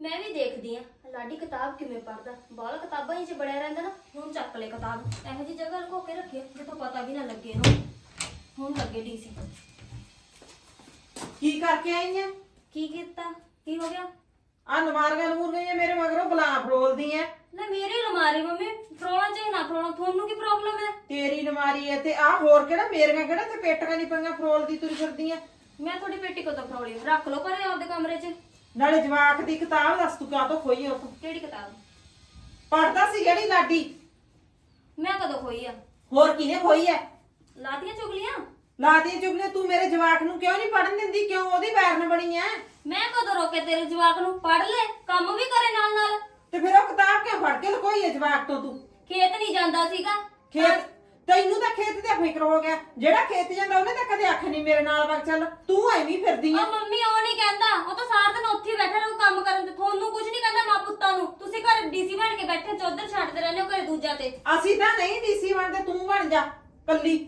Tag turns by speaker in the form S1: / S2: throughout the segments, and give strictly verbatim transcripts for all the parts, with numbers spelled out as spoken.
S1: मैं भी देखदी आ लाडी किताब किवें पढ़दा बाल किताबां ही च बड़िया रहिंदा ना हुण चक ले किताब इहो जी जगह लुको के रखे जिथों पता भी ना लगे हुण हुण लगे डीसी
S2: की करके आई है
S1: की कीता की हो गया
S2: आ नमारियां नमूरियां मेरे मगरों बला फरोलदी है
S1: ना मेरी अलमारी मम्मी फरोना चाहे ना फरोना थोनू की प्रॉब्लम है
S2: तेरी नमारी है ते आ होर केड़ा मेरियां केड़ा ते पेटियां नहीं पईयां फरोलदी तुरी फिरदी है
S1: मैं थोड़ी पेटी को तो फरोली रख लो पर आपदे कमरे च
S2: नाले जवाक दी किताब दस तू कां तो खोई उस
S1: केड़ी किताब
S2: पढ़दा सी जेड़ी लाडी
S1: मैं कदों खोई आ
S2: होर किने खोई है
S1: लादियां चुगलियां
S2: ला दी चुगलियां तू मेरे जवाक नू क्यों नहीं पढ़न दिंदी क्यों ओदी बैरन बनी है
S1: मैं कदों रोके तेरे जवाक नू पढ़ ले काम भी करे नाल नाल
S2: ते फिर ओ किताब क्यों फड़ के लकोई है जवाक तो तू
S1: खेत नहीं जांदा सीगा
S2: खेत ਤੈਨੂੰ ਤਾਂ ਖੇਤ ਦਾ ਫਿਕਰ ਹੋ ਗਿਆ ਜਿਹੜਾ ਖੇਤ ਜਾਂਦਾ ਉਹਨੇ ਤਾਂ ਕਦੇ ਅੱਖ ਨਹੀਂ ਮੇਰੇ ਨਾਲ ਵਗ ਚੱਲ ਤੂੰ ਐਵੇਂ ਫਿਰਦੀ ਆ
S1: ਉਹ ਮੰਮੀ ਉਹ ਨਹੀਂ ਕਹਿੰਦਾ ਉਹ ਤਾਂ ਸਾਰਾ ਦਿਨ ਉੱਥੇ ਹੀ ਬੈਠਾ ਰਹੂ ਕੰਮ ਕਰਨ ਤੇ ਤੁਹਾਨੂੰ ਕੁਝ ਨਹੀਂ ਕਹਿੰਦਾ ਮਾਂ ਪੁੱਤਾਂ ਨੂੰ ਤੁਸੀਂ ਘਰ ਡੀਸੀ ਬਣ ਕੇ ਬੈਠੇ ਚੌਧਰ ਛੱਡਦੇ ਰਹਿੰਦੇ ਹੋ ਘਰੇ ਦੂਜਾ ਤੇ
S2: ਅਸੀਂ ਤਾਂ ਨਹੀਂ ਡੀਸੀ ਬਣਦੇ ਤੂੰ ਬਣ ਜਾ ਕੱਲੀ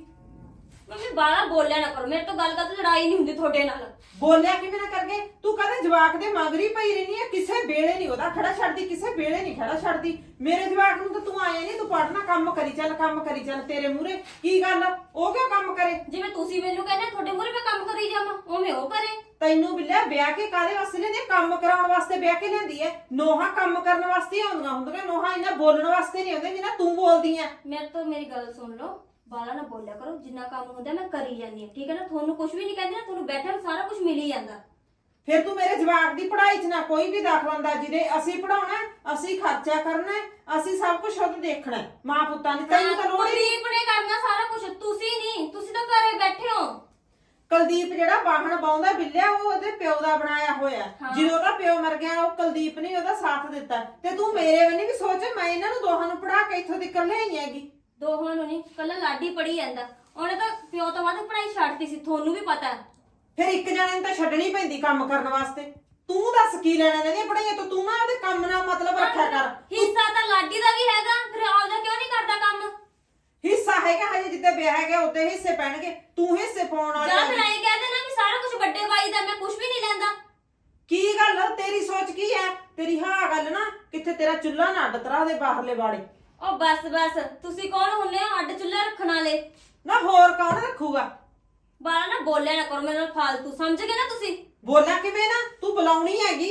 S1: ਮੰਮੀ ਬਾਹਲਾ ਬੋਲਿਆ ਨਾ ਕਰੋ ਮੇਰੇ ਤੋਂ ਗੱਲ ਕਰ ਲੜਾਈ ਨਹੀਂ ਹੁੰਦੀ ਤੁਹਾਡੇ ਨਾਲ
S2: ਬੋਲਿਆ ਕਿਵੇਂ ਨਾ ਕਰਕੇ ਤੂੰ ਕਦੇ ਜਵਾਕ ਦੇ ਮਗਰੀ ਪਈ ਰਹਿਨੀ ਆ ਕਿਸੇ ਵੇਲੇ ਨਹੀਂ ਉਹਦਾ ਖੜਾ ਛੱਡਦੀ ਕਿਸੇ ਵੇਲੇ ਨਹੀਂ ਖੜਾ ਛੱਡਦੀ ਮੇਰੇ ਜਵਾਕ ਨੂੰ ਤਾਂ ਤੂੰ ਆਇਆ ਨਹੀਂ ਤੂੰ ਪੜਨਾ ਕੰਮ ਕਰੀ ਚੱਲ ਕੰਮ ਕਰੀ ਚੱਲ ਤੇਰੇ ਮੂਹਰੇ ਕੀ ਗੱਲ ਉਹ ਕਿਉਂ ਕੰਮ ਕਰੇ
S1: ਜਿਵੇਂ ਤੁਸੀਂ ਮੈਨੂੰ ਕਹਿੰਦੇ ਤੁਹਾਡੇ ਮੂਹਰੇ ਮੈਂ ਕੰਮ ਕਰੀ ਜਾਵਾਂ ਉਵੇਂ ਉਹ ਕਰੇ
S2: ਤੈਨੂੰ ਬਿੱਲਿਆ ਵਿਆਹ ਕੇ ਕਾਦੇ ਵਾਸਤੇ ਲੈਂਦੇ ਕੰਮ ਕਰਾਉਣ ਵਾਸਤੇ ਵਿਆਹ ਕੇ ਲੈਂਦੀ ਐ ਨੋਹਾ ਕੰਮ ਕਰਨ ਵਾਸਤੇ ਆਉਂਦੀਆਂ ਹੁੰਦੀਆਂ ਨੋਹਾ ਇਹਨਾਂ ਬੋਲਣ ਵਾਸਤੇ ਨਹੀਂ ਆਉਂਦੇ ਜਿੰਨਾ ਤੂੰ ਬੋਲਦੀ ਐ
S1: ਮੇਰੇ ਤੋਂ ਮੇਰੀ ਗੱਲ ਸੁਣ ਲਓ ਬਾਲਾ ਨਾ ਬੋਲਿਆ ਕਰੋ ਜਿੰਨਾ ਕੰਮ ਹੁੰਦਾ ਮੈਂ ਕਰੀ ਜਾਂਦੀ ਹਾਂ ਠੀਕ ਹੈ ਨਾ ਤੁਹਾਨੂੰ ਕੁਝ ਵੀ ਨਹੀਂ ਕਹਿੰਦੀ ਨਾ ਤੁਹਾਨੂੰ ਬੈਠੇ ਨੂੰ ਸਾਰਾ ਕੁਝ ਮਿਲ ਹੀ ਜਾਂਦਾ
S2: ਫਿਰ ਤੂੰ ਮੇਰੇ ਜਵਾਕ ਦੀ ਪੜ੍ਹਾਈ 'ਚ ਨਾ ਕੋਈ ਵੀ ਦਖਲਅੰਦਾਜ਼ੀ ਦੇ ਅਸੀਂ ਪੜਾਉਣਾ ਅਸੀਂ ਖਰਚਾ ਕਰਨਾ ਅਸੀਂ ਸਭ ਕੁਝ ਖੁਦ ਦੇਖਣਾ ਮਾਂ ਪੁੱਤਾਂ ਨੇ ਤੈਨੂੰ ਤਾਂ ਲੋੜ ਹੀ
S1: ਕੁਲਦੀਪ ਨੇ ਕਰਨਾ ਸਾਰਾ ਕੁਝ ਤੁਸੀਂ ਨਹੀਂ ਤੁਸੀਂ ਤਾਂ ਘਰੇ ਬੈਠੇ ਹੋ
S2: ਕੁਲਦੀਪ ਜਿਹੜਾ ਬਾਹਣ ਬਾਉਂਦਾ ਬਿੱਲਿਆ ਉਹ ਉਹਦੇ ਪਿਓ ਦਾ ਬਣਾਇਆ ਹੋਇਆ ਜਦੋਂ ਉਹਦਾ ਪਿਓ ਮਰ ਗਿਆ ਉਹ ਕੁਲਦੀਪ ਨੇ ਉਹਦਾ ਸਾਥ ਦਿੱਤਾ ਤੇ ਤੂੰ ਮੇਰੇ ਵੱਲ ਵੀ ਸੋਚ ਮੈਂ ਇਹਨਾਂ ਨੂੰ ਦੋਹਾਂ ਨੂੰ ਪੜਾ ਕੇ ਇੱਥੋਂ ਤੱਕ ਲਿਆਈ ਹੈਗੀ
S1: ਦੋਹਾਂ ਨੂੰ ਨਹੀਂ ਕੱਲਾ ਲਾਡੀ ਪੜੀ ਜਾਂਦਾ ਉਹਨੇ ਤਾਂ ਪਿਓ ਤੋਂ ਵੱਧ ਪੜਾਈ ਛੱਡਤੀ ਸੀ ਤੁਹਾਨੂੰ ਵੀ ਪਤਾ
S2: ਫਿਰ ਇੱਕ ਜਣੇ ਨੂੰ ਤਾਂ ਛੱਡਣੀ ਪੈਂਦੀ ਕੰਮ ਕਰਨ ਵਾਸਤੇ ਤੂੰ ਦੱਸ ਕੀ ਲੈਣਾ ਇਹਦੀਆਂ ਪੜਾਈਆਂ ਤੋਂ ਤੂੰ ਨਾ ਉਹਦੇ ਕੰਮ ਨਾਲ ਮਤਲਬ ਰੱਖਿਆ ਕਰ
S1: ਹਿੱਸਾ ਤਾਂ ਲਾਡੀ ਦਾ ਵੀ ਹੈਗਾ ਫਿਰ ਆਉਂਦਾ ਕਿਉਂ ਨਹੀਂ ਕਰਦਾ ਕੰਮ
S2: ਹਿੱਸਾ ਹੈਗਾ ਹਜੇ ਜਿੱਤੇ ਵਿਆਹ ਹੈਗਾ ਉੱਤੇ ਹਿੱਸੇ ਪੈਣਗੇ ਤੂੰ ਹਿੱਸੇ ਪਾਉਣ ਵਾਲੀ
S1: ਜਾਂ ਫਿਰ ਐਂ ਕਹਿੰਦੇ ਨਾ ਵੀ ਸਾਰਾ ਕੁਝ ਵੱਡੇ ਬਾਈ ਦਾ ਮੈਂ ਕੁਝ ਵੀ ਨਹੀਂ ਲੈਂਦਾ
S2: ਕੀ ਗੱਲ ਤੇਰੀ ਸੋਚ ਕੀ ਹੈ ਤੇਰੀ ਹਾਂ ਗੱਲ ਨਾ ਕਿੱਥੇ ਤੇਰਾ ਚੁੱਲ੍ਹਾ ਨਾ ਅੱਡ ਤਰਾ ਦੇ ਬਾਹਰਲੇ ਬਾੜੇ
S1: ਉਹ ਬਸ ਬਸ ਤੁਸੀਂ ਕੌਣ ਹੁੰਨੇ ਹੋ ਅੱਡ ਚੁੱਲ੍ਹਾ ਰੱਖਣ ਵਾਲੇ
S2: ਨਾ ਹੋਰ ਕੌਣ ਰੱਖੂਗਾ
S1: ਬਾਲਾ ਨਾ ਬੋਲਿਆ ਨਾ ਕਰੋ ਮੇਰੇ ਨਾਲ ਫਾਲਤੂ ਸਮਝ ਗਏ ਨਾ ਤੁਸੀਂ
S2: ਬੋਲਿਆ ਕਿਵੇਂ ਨਾ ਤੂੰ ਬੁਲਾਉਣੀ ਹੈਗੀ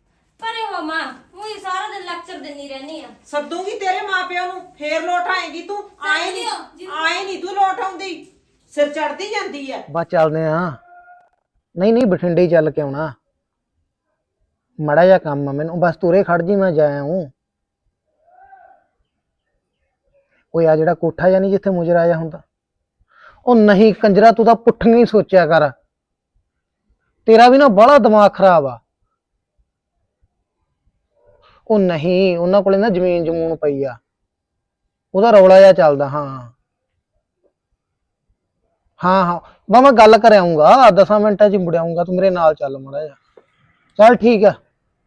S1: ਪਰੇ ਹੋ ਮਾਂ ਉਹੀ ਸਾਰਾ ਦਿਨ ਲੈਕਚਰ ਦਿੰਦੀ ਰਹਿਣੀ ਆ
S2: ਸੱਦੂਗੀ ਤੇਰੇ ਮਾਪਿਆਂ ਨੂੰ ਫੇਰ ਲੋਟ ਆਏਗੀ ਤੂੰ ਆਏ ਨਹੀਂ ਆਏ ਨਹੀਂ ਤੂੰ ਲੋਟ ਆਉਂਦੀ ਸਿਰ ਚੜਦੀ ਜਾਂਦੀ ਐ
S3: ਬਸ ਚੱਲਦੇ ਆ ਨਹੀਂ ਨਹੀਂ ਬਠਿੰਡੇ ਹੀ ਚੱਲ ਕੇ ਆਉਣਾ ਮੜਾ ਜਿਹਾ ਕੰਮ ਆ ਮੈਨੂੰ ਬਸ ਤੁਰੇ ਖੜ ਜੀ ਮੈਂ ਜਾਇਆ ਹੂੰ ਉਹ ਆ ਜਿਹੜਾ ਕੋਠਾ ਜਾਂ ਨਹੀਂ ਜਿੱਥੇ ਮੁਜਰਾ ਆਇਆ ਹੁੰਦਾ ਉਹ ਨਹੀਂ ਕੰਜਰਾ ਤੂੰ ਤਾਂ ਪੁੱਠੀਆਂ ਹੀ ਸੋਚਿਆ ਕਰ ਤੇਰਾ ਵੀ ਨਾ ਬੜਾ ਦਿਮਾਗ ਖਰਾਬ ਆ ਉਹ ਨਹੀਂ ਉਹਨਾਂ ਕੋਲੇ ਨਾ ਜ਼ਮੀਨ ਜਮੂਨ ਪਈ ਆ ਉਹਦਾ ਰੌਲਾ ਜਿਹਾ ਚੱਲਦਾ ਹਾਂ ਹਾਂ ਹਾਂ ਬਾ ਮੈਂ ਗੱਲ ਕਰ ਆਉਂਗਾ ਦਸਾਂ ਮਿੰਟਾਂ 'ਚ ਮੁੜ ਆਉਂਗਾ ਤੂੰ ਮੇਰੇ ਨਾਲ ਚੱਲ ਮਾੜਾ ਜਿਹਾ ਚੱਲ ਠੀਕ ਆ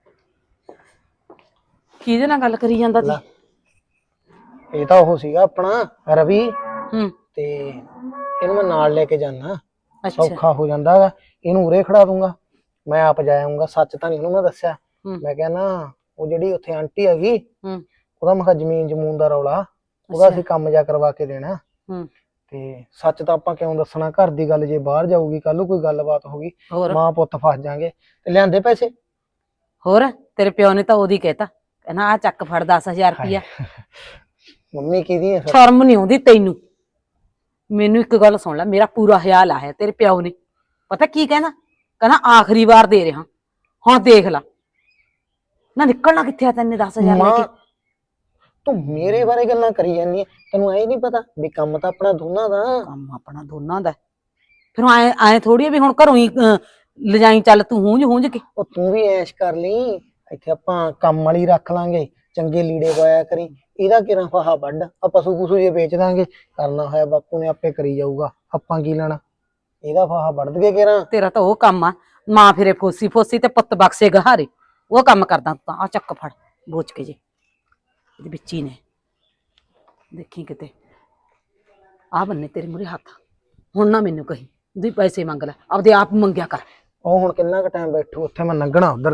S4: ਕਿਹਦੇ ਨਾਲ ਗੱਲ ਕਰੀ ਜਾਂਦਾ ਸੀ
S3: ਇਹ ਤਾਂ ਉਹ ਸੀਗਾ ਆਪਣਾ ਰਵੀ
S4: ਹੂੰ
S3: ਤੇ ਇਹਨੂੰ ਮੈਂ ਨਾਲ ਲੈ ਕੇ ਜਾਣਾ ਸੌਖਾ ਹੋ ਜਾਂਦਾ ਹੈਗਾ ਇਹਨੂੰ ਉਰੇ ਖੜਾ ਦੂੰਗਾ ਮੈਂ ਆਪ ਜਾ ਆਉਂਗਾ ਸੱਚ ਤਾਂ ਨਹੀਂ ਉਹਨੂੰ ਮੈਂ ਦੱਸਿਆ ਮੈਂ ਕਹਿੰਦਾ ਉਹ ਜਿਹੜੀ ਉੱਥੇ ਆਂਟੀ ਹੈਗੀ ਉਹਦਾ ਮੈਂ ਕਿਹਾ ਜ਼ਮੀਨ ਜਮੂਨ ਦਾ ਰੌਲਾ ਉਹਦਾ ਅਸੀਂ ਕੰਮ ਜਾ ਕਰਵਾ ਕੇ ਦੇਣਾ ਤੇ ਸੱਚ ਤਾਂ ਆਪਾਂ ਕਿਉਂ ਦੱਸਣਾ ਘਰ ਦੀ ਗੱਲ ਜੇ ਬਾਹਰ ਜਾਊਗੀ ਕੱਲ ਨੂੰ ਕੋਈ ਗੱਲਬਾਤ ਹੋ ਗਈ ਮਾਂ ਪੁੱਤ ਫਸ ਜਾਾਂਗੇ ਤੇ ਲਿਆਂਦੇ ਪੈਸੇ
S4: ਹੋਰ ਤੇਰੇ ਪਿਓ ਨੇ ਤਾਂ ਉਹਦੀ ਕਹਿਤਾ ਕਹਿੰਦਾ ਆ ਚੱਕ ਫੜ ਦਸ ਹਜ਼ਾਰ ਰੁਪਇਆ
S3: ਮੰਮੀ ਕਿਹਦੀ ਹੈ
S4: ਸ਼ਰਮ ਨਹੀਂ ਆਉਂਦੀ ਤੈਨੂੰ ਮੈਨੂੰ ਇੱਕ ਗੱਲ ਸੁਣ ਲੈ ਮੇਰਾ ਪੂਰਾ ਖਿਆਲ ਆਇਆ ਤੇਰੇ ਪਿਓ ਨੇ ਪਤਾ ਕੀ ਕਹਿੰਦਾ ਕਹਿੰਦਾ ਆਖਰੀ ਵਾਰ ਦੇ ਰਿਹਾ ਹੁਣ ਦੇਖ ਲੈ ਨਾ ਨਿਕਲਣਾ ਕਿੱਥੇ ਆ ਤੈਨੇ ਦਸ ਹਜ਼ਾਰ ਲੈ ਕੇ
S3: ਤੂੰ ਮੇਰੇ ਬਾਰੇ ਗੱਲਾਂ ਕਰੀ ਜਾਂਦੀ ਐ ਤੈਨੂੰ ਐ ਨਹੀਂ ਪਤਾ ਵੀ ਕੰਮ ਤਾਂ ਆਪਣਾ ਦੋਨਾਂ ਦਾ
S4: ਕੰਮ ਆਪਣਾ ਦੋਨਾਂ ਦਾ ਫਿਰ ਐ ਐ ਥੋੜੀ ਵੀ ਹੁਣ ਘਰੋਂ ਹੀ ਲਿਜਾਈ ਚੱਲ ਤੂੰ ਹੂੰਝ ਹੂੰਝ ਕੇ
S3: ਉਹ ਤੂੰ ਵੀ ਐਸ਼ ਕਰ ਲਈ ਇੱਥੇ ਆਪਾਂ ਕੰਮ ਵਾਲੀ ਰੱਖ ਲਾਂਗੇ ਚੰਗੇ ਲੀੜੇ ਪਾਇਆ ਕਰੀ ਇਹਦਾ ਕਿਰਾਂ ਫਾਹਾ ਵੱਢ ਆ ਪਸ਼ੂ ਪਸ਼ੂ ਜੇ ਵੇਚ ਦਾਂਗੇ ਕਰਨਾ ਹੋਇਆ ਬਾਪੂ ਨੇ ਆਪੇ ਕਰੀ ਜਾਊਗਾ ਆਪਾਂ ਕੀ ਲੈਣਾ ਇਹਦਾ ਫਾਹਾ ਵੱਢ ਕੇ ਕਿਰਾਂ
S4: ਤੇਰਾ ਤਾਂ ਉਹ ਕੰਮ ਆ ਮਾਂ ਫਿਰੇ ਫੋਸੀ ਫੋਸੀ ਤੇ ਪੁੱਤ ਬਕਸੇ ਗਹਾਰੇ ਉਹ ਕੰਮ ਕਰਦਾ ਤਾਂ ਆ ਚੱਕ ਫੜ ਬੋਚ ਕੇ ਜੇ ਇਹਦੇ ਵਿੱਚ ਹੀ ਨੇ ਦੇਖੀ ਕਿਤੇ ਆ ਬੰਨੇ ਤੇਰੇ ਮੂਹਰੇ ਹੱਥ ਹੁਣ ਨਾ ਮੈਨੂੰ ਕਹੀ ਦੀ ਪੈਸੇ ਮੰਗ ਲੈ ਆਪਦੇ ਆਪ ਮੰਗਿਆ ਕਰ
S3: ਉਹ ਹੁਣ ਕਿੰਨਾ ਕੁ ਟਾਈਮ ਬੈਠੂ ਉੱਥੇ ਮੈਂ ਲੰਘਣਾ ਉਧਰ ਦੀ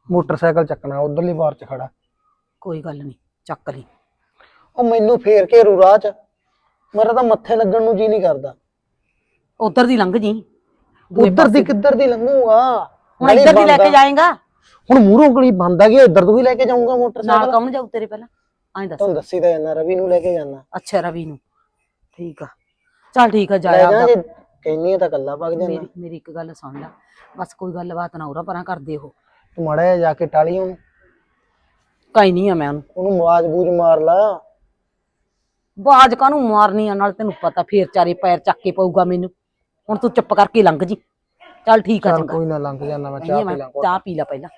S3: ਮੋਟਰਸਾਈਕਲ ਚੱਕਣਾ ਉਧਰਲੀ ਬਾਰ ਚ ਖੜਾ।
S4: ਕੋਈ ਗੱਲ ਨਹੀਂ, ਚੱਕ ਲਈ।
S3: ਉਹ ਮੈਨੂੰ ਫੇਰ ਘੇਰੂ ਰਾਹ ਚ, ਮੇਰਾ ਤਾਂ ਮੱਥੇ ਲੱਗਣ ਨੂੰ ਜੀ ਨਹੀਂ ਕਰਦਾ।
S4: ਉਧਰ ਦੀ ਲੰਘ ਜੀ।
S3: ਉਧਰ ਦੀ ਕਿੱਧਰ ਦੀ ਲੰਘੂਗਾ?
S4: ਹੁਣ ਇੱਧਰ ਦੀ ਲੈ ਕੇ ਜਾਏਗਾ।
S3: ਹੁਣ ਮੂਹਰੋਂ ਗਲੀ ਬੰਦ ਆ ਗਈ, ਇੱਧਰ ਤੋਂ ਵੀ ਲੈ ਕੇ ਜਾਊਂਗਾ
S4: ਨਾਲ
S3: ਮੋਟਰਸਾਈਕਲ।
S4: ਕੌਣ ਜਾਊ ਤੇਰੇ ਪਹਿਲਾਂ? ਐਂ ਦੱਸ।
S3: ਤੁਹਾਨੂੰ ਦੱਸੀ ਤਾਂ ਜਾਂਦਾ, ਰਵੀ ਨੂੰ ਲੈ ਕੇ ਜਾਣਾ।
S4: ਅੱਛਾ, ਰਵੀ ਨੂੰ। ਠੀਕ ਆ, ਚੱਲ ਠੀਕ ਆ,
S3: ਲੈ
S4: ਜਾਇਆ
S3: ਜਾ,
S4: ਆਪਦਾ।
S3: ਜੇ ਕਹਿੰਨੀ ਆ ਤਾਂ ਕੱਲਾ ਵਗ ਜਾਣਾ।
S4: ਮੇਰੀ ਮੇਰੀ ਇੱਕ ਗੱਲ ਸੁਣ ਲੈ, ਬਸ ਕੋਈ ਗੱਲਬਾਤ ਨਾ ਉਰਾ ਪਰਾਂ ਕਰਦੇ ਉਹ।
S3: ਤੂੰ ਮਾੜਾ ਜਿਹਾ ਜਾ ਕੇ ਟਾਲੀ ਉਹਨੂੰ,
S4: ਕਾਈ ਨਹੀਂ ਆ ਮੈਂ ਉਹਨੂੰ।
S3: ਉਹਨੂੰ ਆਵਾਜ਼ ਬੂਝ ਮਾਰ ਲਾ।
S4: ਬਾਜ ਕਾਹਨੂੰ ਮਾਰਨੀ ਆ, ਨਾਲ ਤੈਨੂੰ ਪਤਾ ਫੇਰ ਚਾਰੇ ਪੈਰ ਚੱਕ ਕੇ ਪਊਗਾ ਮੈਨੂੰ। ਹੁਣ ਤੂੰ ਚੁੱਪ ਕਰਕੇ ਲੰਘ ਜੀ। ਚੱਲ ਠੀਕ ਆ,
S3: ਚੱਲ
S4: ਚੰਗਾ।
S3: ਕੋਈ ਨਾ, ਲੰਘ ਜਾਣਾ ਮੈਂ। ਚਾਹ
S4: ਨਹੀਂ,
S3: ਪੀ
S4: ਮੈਂ
S3: ਲਾਂ।
S4: ਚਾਹ ਪੀ ਲੈ ਪਹਿਲਾਂ।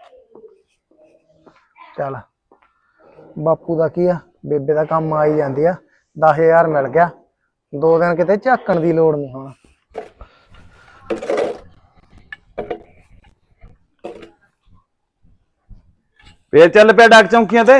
S3: ਚੱਲ ਬਾਪੂ ਦਾ ਕੀ ਆ, ਬੇਬੇ ਦਾ ਕੰਮ ਆ ਹੀ ਜਾਂਦੀ ਆ। ਦਸ ਹਜ਼ਾਰ ਮਿਲ ਗਿਆ, ਦੋ ਦਿਨ ਕਿਤੇ ਝਾਕਣ ਦੀ ਲੋੜ ਨਹੀਂ ਹੁਣ।
S5: ਫੇਰ ਚੱਲ ਪਿਆ ਡਾਕ ਚੌਂਕੀਆਂ ਤੇ।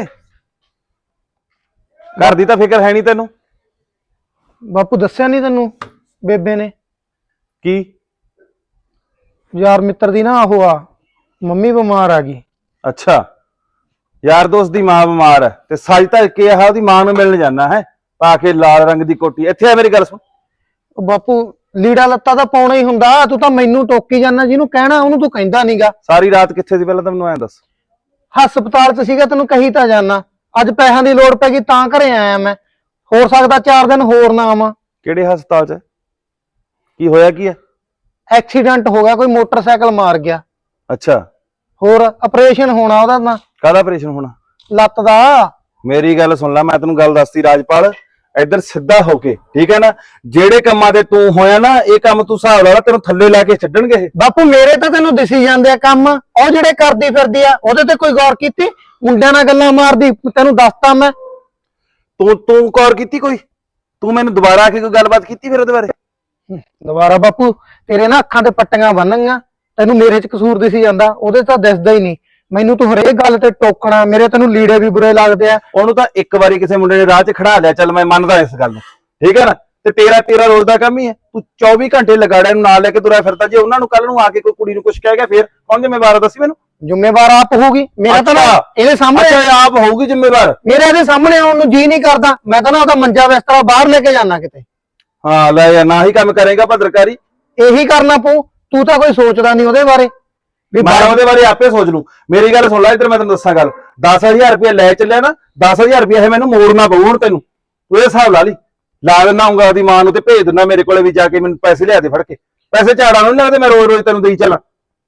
S5: ਘਰ ਦੀ ਤਾਂ ਫਿਕਰ ਹੈ ਨਹੀਂ ਤੈਨੂੰ?
S3: ਬਾਪੂ ਦੱਸਿਆ ਨਹੀਂ ਤੈਨੂੰ ਬੇਬੇ ਨੇ?
S5: ਕੀ?
S3: ਯਾਰ ਮਿੱਤਰ ਦੀ ਨਾ ਉਹ ਆ, ਮੰਮੀ ਬਿਮਾਰ ਆ ਗਈ।
S5: ਅੱਛਾ, ਯਾਰ ਦੋਸਤ ਦੀ ਮਾਂ ਬਿਮਾਰ ਹੈ ਤੇ ਸੱਜ ਧੱਜ ਕੇ ਆਹ ਉਹਦੀ ਮਾਂ ਨੂੰ ਮਿਲਣ ਜਾਣਾ ਹੈ, ਪਾ ਕੇ ਲਾਲ ਰੰਗ ਦੀ ਕੋਟੀ। ਇੱਥੇ ਆ ਮੇਰੀ ਗੱਲ ਸੁਣ।
S3: ਉਹ ਬਾਪੂ ਲੀੜਾ ਲੱਤਾ ਤਾਂ ਪਾਉਣਾ ਹੀ ਹੁੰਦਾ, ਤੂੰ ਤਾਂ ਮੈਨੂੰ ਟੋਕੀ ਜਾਂਦਾ, ਜਿਹਨੂੰ ਕਹਿਣਾ ਉਹਨੂੰ ਤੂੰ ਕਹਿੰਦਾ ਨਹੀਂਗਾ।
S5: ਸਾਰੀ ਰਾਤ ਕਿੱਥੇ ਸੀ ਪਹਿਲਾਂ ਤਾਂ ਮੈਨੂੰ ਐਂ ਦੱਸ।
S3: ਹਸਪਤਾਲ 'ਚ ਸੀਗਾ, ਤੈਨੂੰ ਕਹੀ ਤਾਂ ਜਾਨਾ। ਅੱਜ ਪੈਸਿਆਂ ਦੀ ਲੋੜ ਪੈ ਗਈ ਤਾਂ ਘਰੇ ਆਇਆ ਮੈਂ। ਹੋਰ ਸਕਦਾ ਚਾਰ ਦਿਨ ਹੋਰ ਨਾ ਆਵਾਂ।
S5: ਕਿਹੜੇ ਹਸਪਤਾਲ 'ਚ? ਕੀ ਹੋਇਆ ਕੀ ਹੈ?
S3: ਐਕਸੀਡੈਂਟ ਹੋ ਗਿਆ, ਕੋਈ ਮੋਟਰਸਾਈਕਲ ਮਾਰ ਗਿਆ।
S5: ਅੱਛਾ,
S3: ਹੋਰ ਆਪਰੇਸ਼ਨ ਹੋਣਾ ਉਹਦਾ ਤਾਂ,
S5: ਕਾਹਦਾ ਆਪਰੇਸ਼ਨ ਹੋਣਾ?
S3: ਲੱਤ ਦਾ।
S5: ਮੇਰੀ ਗੱਲ ਸੁਣ ਲੈ, ਮੈਂ ਤੈਨੂੰ ਗੱਲ ਦੱਸਤੀ ਰਾਜਪਾਲ, ਇੱਧਰ ਸਿੱਧਾ ਹੋ ਕੇ, ਠੀਕ ਹੈ ਨਾ? ਜਿਹੜੇ ਕੰਮਾਂ ਤੇ ਤੂੰ ਹੋਇਆ ਨਾ, ਇਹ ਕੰਮ ਤੂੰ ਹਿਸਾਬ ਲਾ ਲਾ, ਤੈਨੂੰ ਥੱਲੇ ਲਾ ਕੇ ਛੱਡਣਗੇ ਇਹ।
S3: ਬਾਪੂ ਮੇਰੇ ਤਾਂ ਤੈਨੂੰ ਦਿਸੀ ਜਾਂਦੇ ਆ ਕੰਮ, ਉਹ ਜਿਹੜੇ ਕਰਦੀ ਫਿਰਦੀ ਆ ਉਹਦੇ ਤੇ ਕੋਈ ਗੌਰ ਕੀਤੀ? ਮੁੰਡਿਆਂ ਨਾਲ ਗੱਲਾਂ ਮਾਰਦੀ, ਤੈਨੂੰ ਦੱਸਤਾ ਮੈਂ।
S5: ਤੂੰ ਤੂੰ ਗੌਰ ਕੀਤੀ ਕੋਈ? ਤੂੰ ਮੈਨੂੰ ਦੁਬਾਰਾ ਆ ਕੇ ਕੋਈ ਗੱਲਬਾਤ ਕੀਤੀ ਫਿਰ ਉਹਦੇ ਬਾਰੇ?
S3: ਦੁਬਾਰਾ ਬਾਪੂ ਤੇਰੇ ਨਾ ਅੱਖਾਂ ਤੇ ਪੱਟੀਆਂ ਬੰਨਣੀਆਂ, ਤੈਨੂੰ ਮੇਰੇ 'ਚ ਕਸੂਰ ਦਿਸੀ ਜਾਂਦਾ, ਉਹਦੇ ਤਾਂ ਦਿਸਦਾ ਹੀ ਨਹੀਂ। ਮੈਨੂੰ ਤੂੰ ਹਰੇਕ ਗੱਲ ਤੇ ਟੋਕਣਾ, ਮੇਰੇ ਤੈਨੂੰ ਲੀੜੇ ਵੀ ਬੁਰੇ ਲੱਗਦੇ ਆ।
S5: ਉਹਨੂੰ ਤਾਂ ਇੱਕ ਵਾਰੀ ਕਿਸੇ ਮੁੰਡੇ ਨੇ ਰਾਹ 'ਚ ਖੜਾ ਲਿਆ, ਚੱਲ ਮੈਂ ਮੰਨਦਾ ਇਸ ਗੱਲ ਨੂੰ, ਠੀਕ ਹੈ ਨਾ? ਤੇ ਤੇਰਾ ਤੇਰਾ ਰੋਜ਼ ਦਾ ਕੰਮ ਹੀ ਹੈ, ਤੂੰ ਚੌਵੀ ਘੰਟੇ ਲਗਾੜਿਆ ਨੂੰ ਨਾਲ ਲੈ ਕੇ ਤੁਰਿਆ ਫਿਰਦਾ। ਜੇ ਉਹਨਾਂ ਨੂੰ ਕੱਲ ਨੂੰ ਆ ਕੇ ਕੋਈ ਕੁੜੀ ਨੂੰ ਕੁਝ ਕਹਿ ਗਿਆ ਫੇਰ ਕੌਣ ਜ਼ਿੰਮੇਵਾਰ ਆ? ਦੱਸੀ ਮੈਨੂੰ।
S3: ਜ਼ਿੰਮੇਵਾਰ ਆਪ ਹੋਊਗੀ, ਮੇਰਾ ਤਾਂ ਨਾ ਇਹਦੇ ਸਾਹਮਣੇ
S5: ਆਪ ਹੋਊਗੀ ਜ਼ਿੰਮੇਵਾਰ।
S3: ਮੇਰਾ ਇਹਦੇ ਸਾਹਮਣੇ ਆਉਣ ਨੂੰ ਜੀ ਨਹੀਂ ਕਰਦਾ। ਮੈਂ ਤਾਂ ਨਾ ਉਹਦਾ ਮੰਜਾ ਬਿਸਤਰਾ ਬਾਹਰ ਲੈ ਕੇ ਜਾਣਾ ਕਿਤੇ।
S5: ਹਾਂ ਲੈ ਯਾਰ, ਨਾ ਹੀ ਕੰਮ ਕਰੇਗਾ ਭਦਰਕਾਰੀ।
S3: ਇਹੀ ਕਰਨਾ ਪਊ। ਤੂੰ ਤਾਂ ਕੋਈ ਸੋਚਦਾ ਨਹੀਂ ਉਹਦੇ ਬਾਰੇ ਵੀ।
S5: ਮੈਂ ਉਹਦੇ ਬਾਰੇ ਆਪੇ ਸੋਚ ਲੂ। ਮੇਰੀ ਗੱਲ ਸੁਣ ਲੈ, ਇੱਧਰ ਮੈਂ ਤੈਨੂੰ ਦੱਸਾਂ ਗੱਲ। ਦਸ ਹਜ਼ਾਰ ਰੁਪਇਆ ਲੈ ਚੱਲਿਆ ਨਾ, ਦਸ ਹਜ਼ਾਰ ਰੁਪਇਆ ਇਹ ਮੈਨੂੰ ਮੋੜਨਾ ਪਊ ਹੁਣ ਤੈਨੂੰ। ਤੂੰ ਇਹ ਹਿਸਾਬ ਲਾ ਲਈ। ਲਾ ਦਿੰਦਾ ਆਉਂਗਾ ਉਹਦੀ ਮਾਂ ਨੂੰ ਤੇ ਭੇਜ ਦਿੰਦਾ ਮੇਰੇ ਕੋਲੇ ਵੀ ਜਾ ਕੇ ਮੈਨੂੰ ਪੈਸੇ ਲਿਆ ਦੇ ਫੜ ਕੇ। ਪੈਸੇ ਝਾੜਾਂ ਨੂੰ ਨੀ ਲੱਗਦੇ, ਮੈਂ ਰੋਜ਼ ਰੋਜ਼ ਤੈਨੂੰ ਦੇਈ ਚੱਲਾਂ।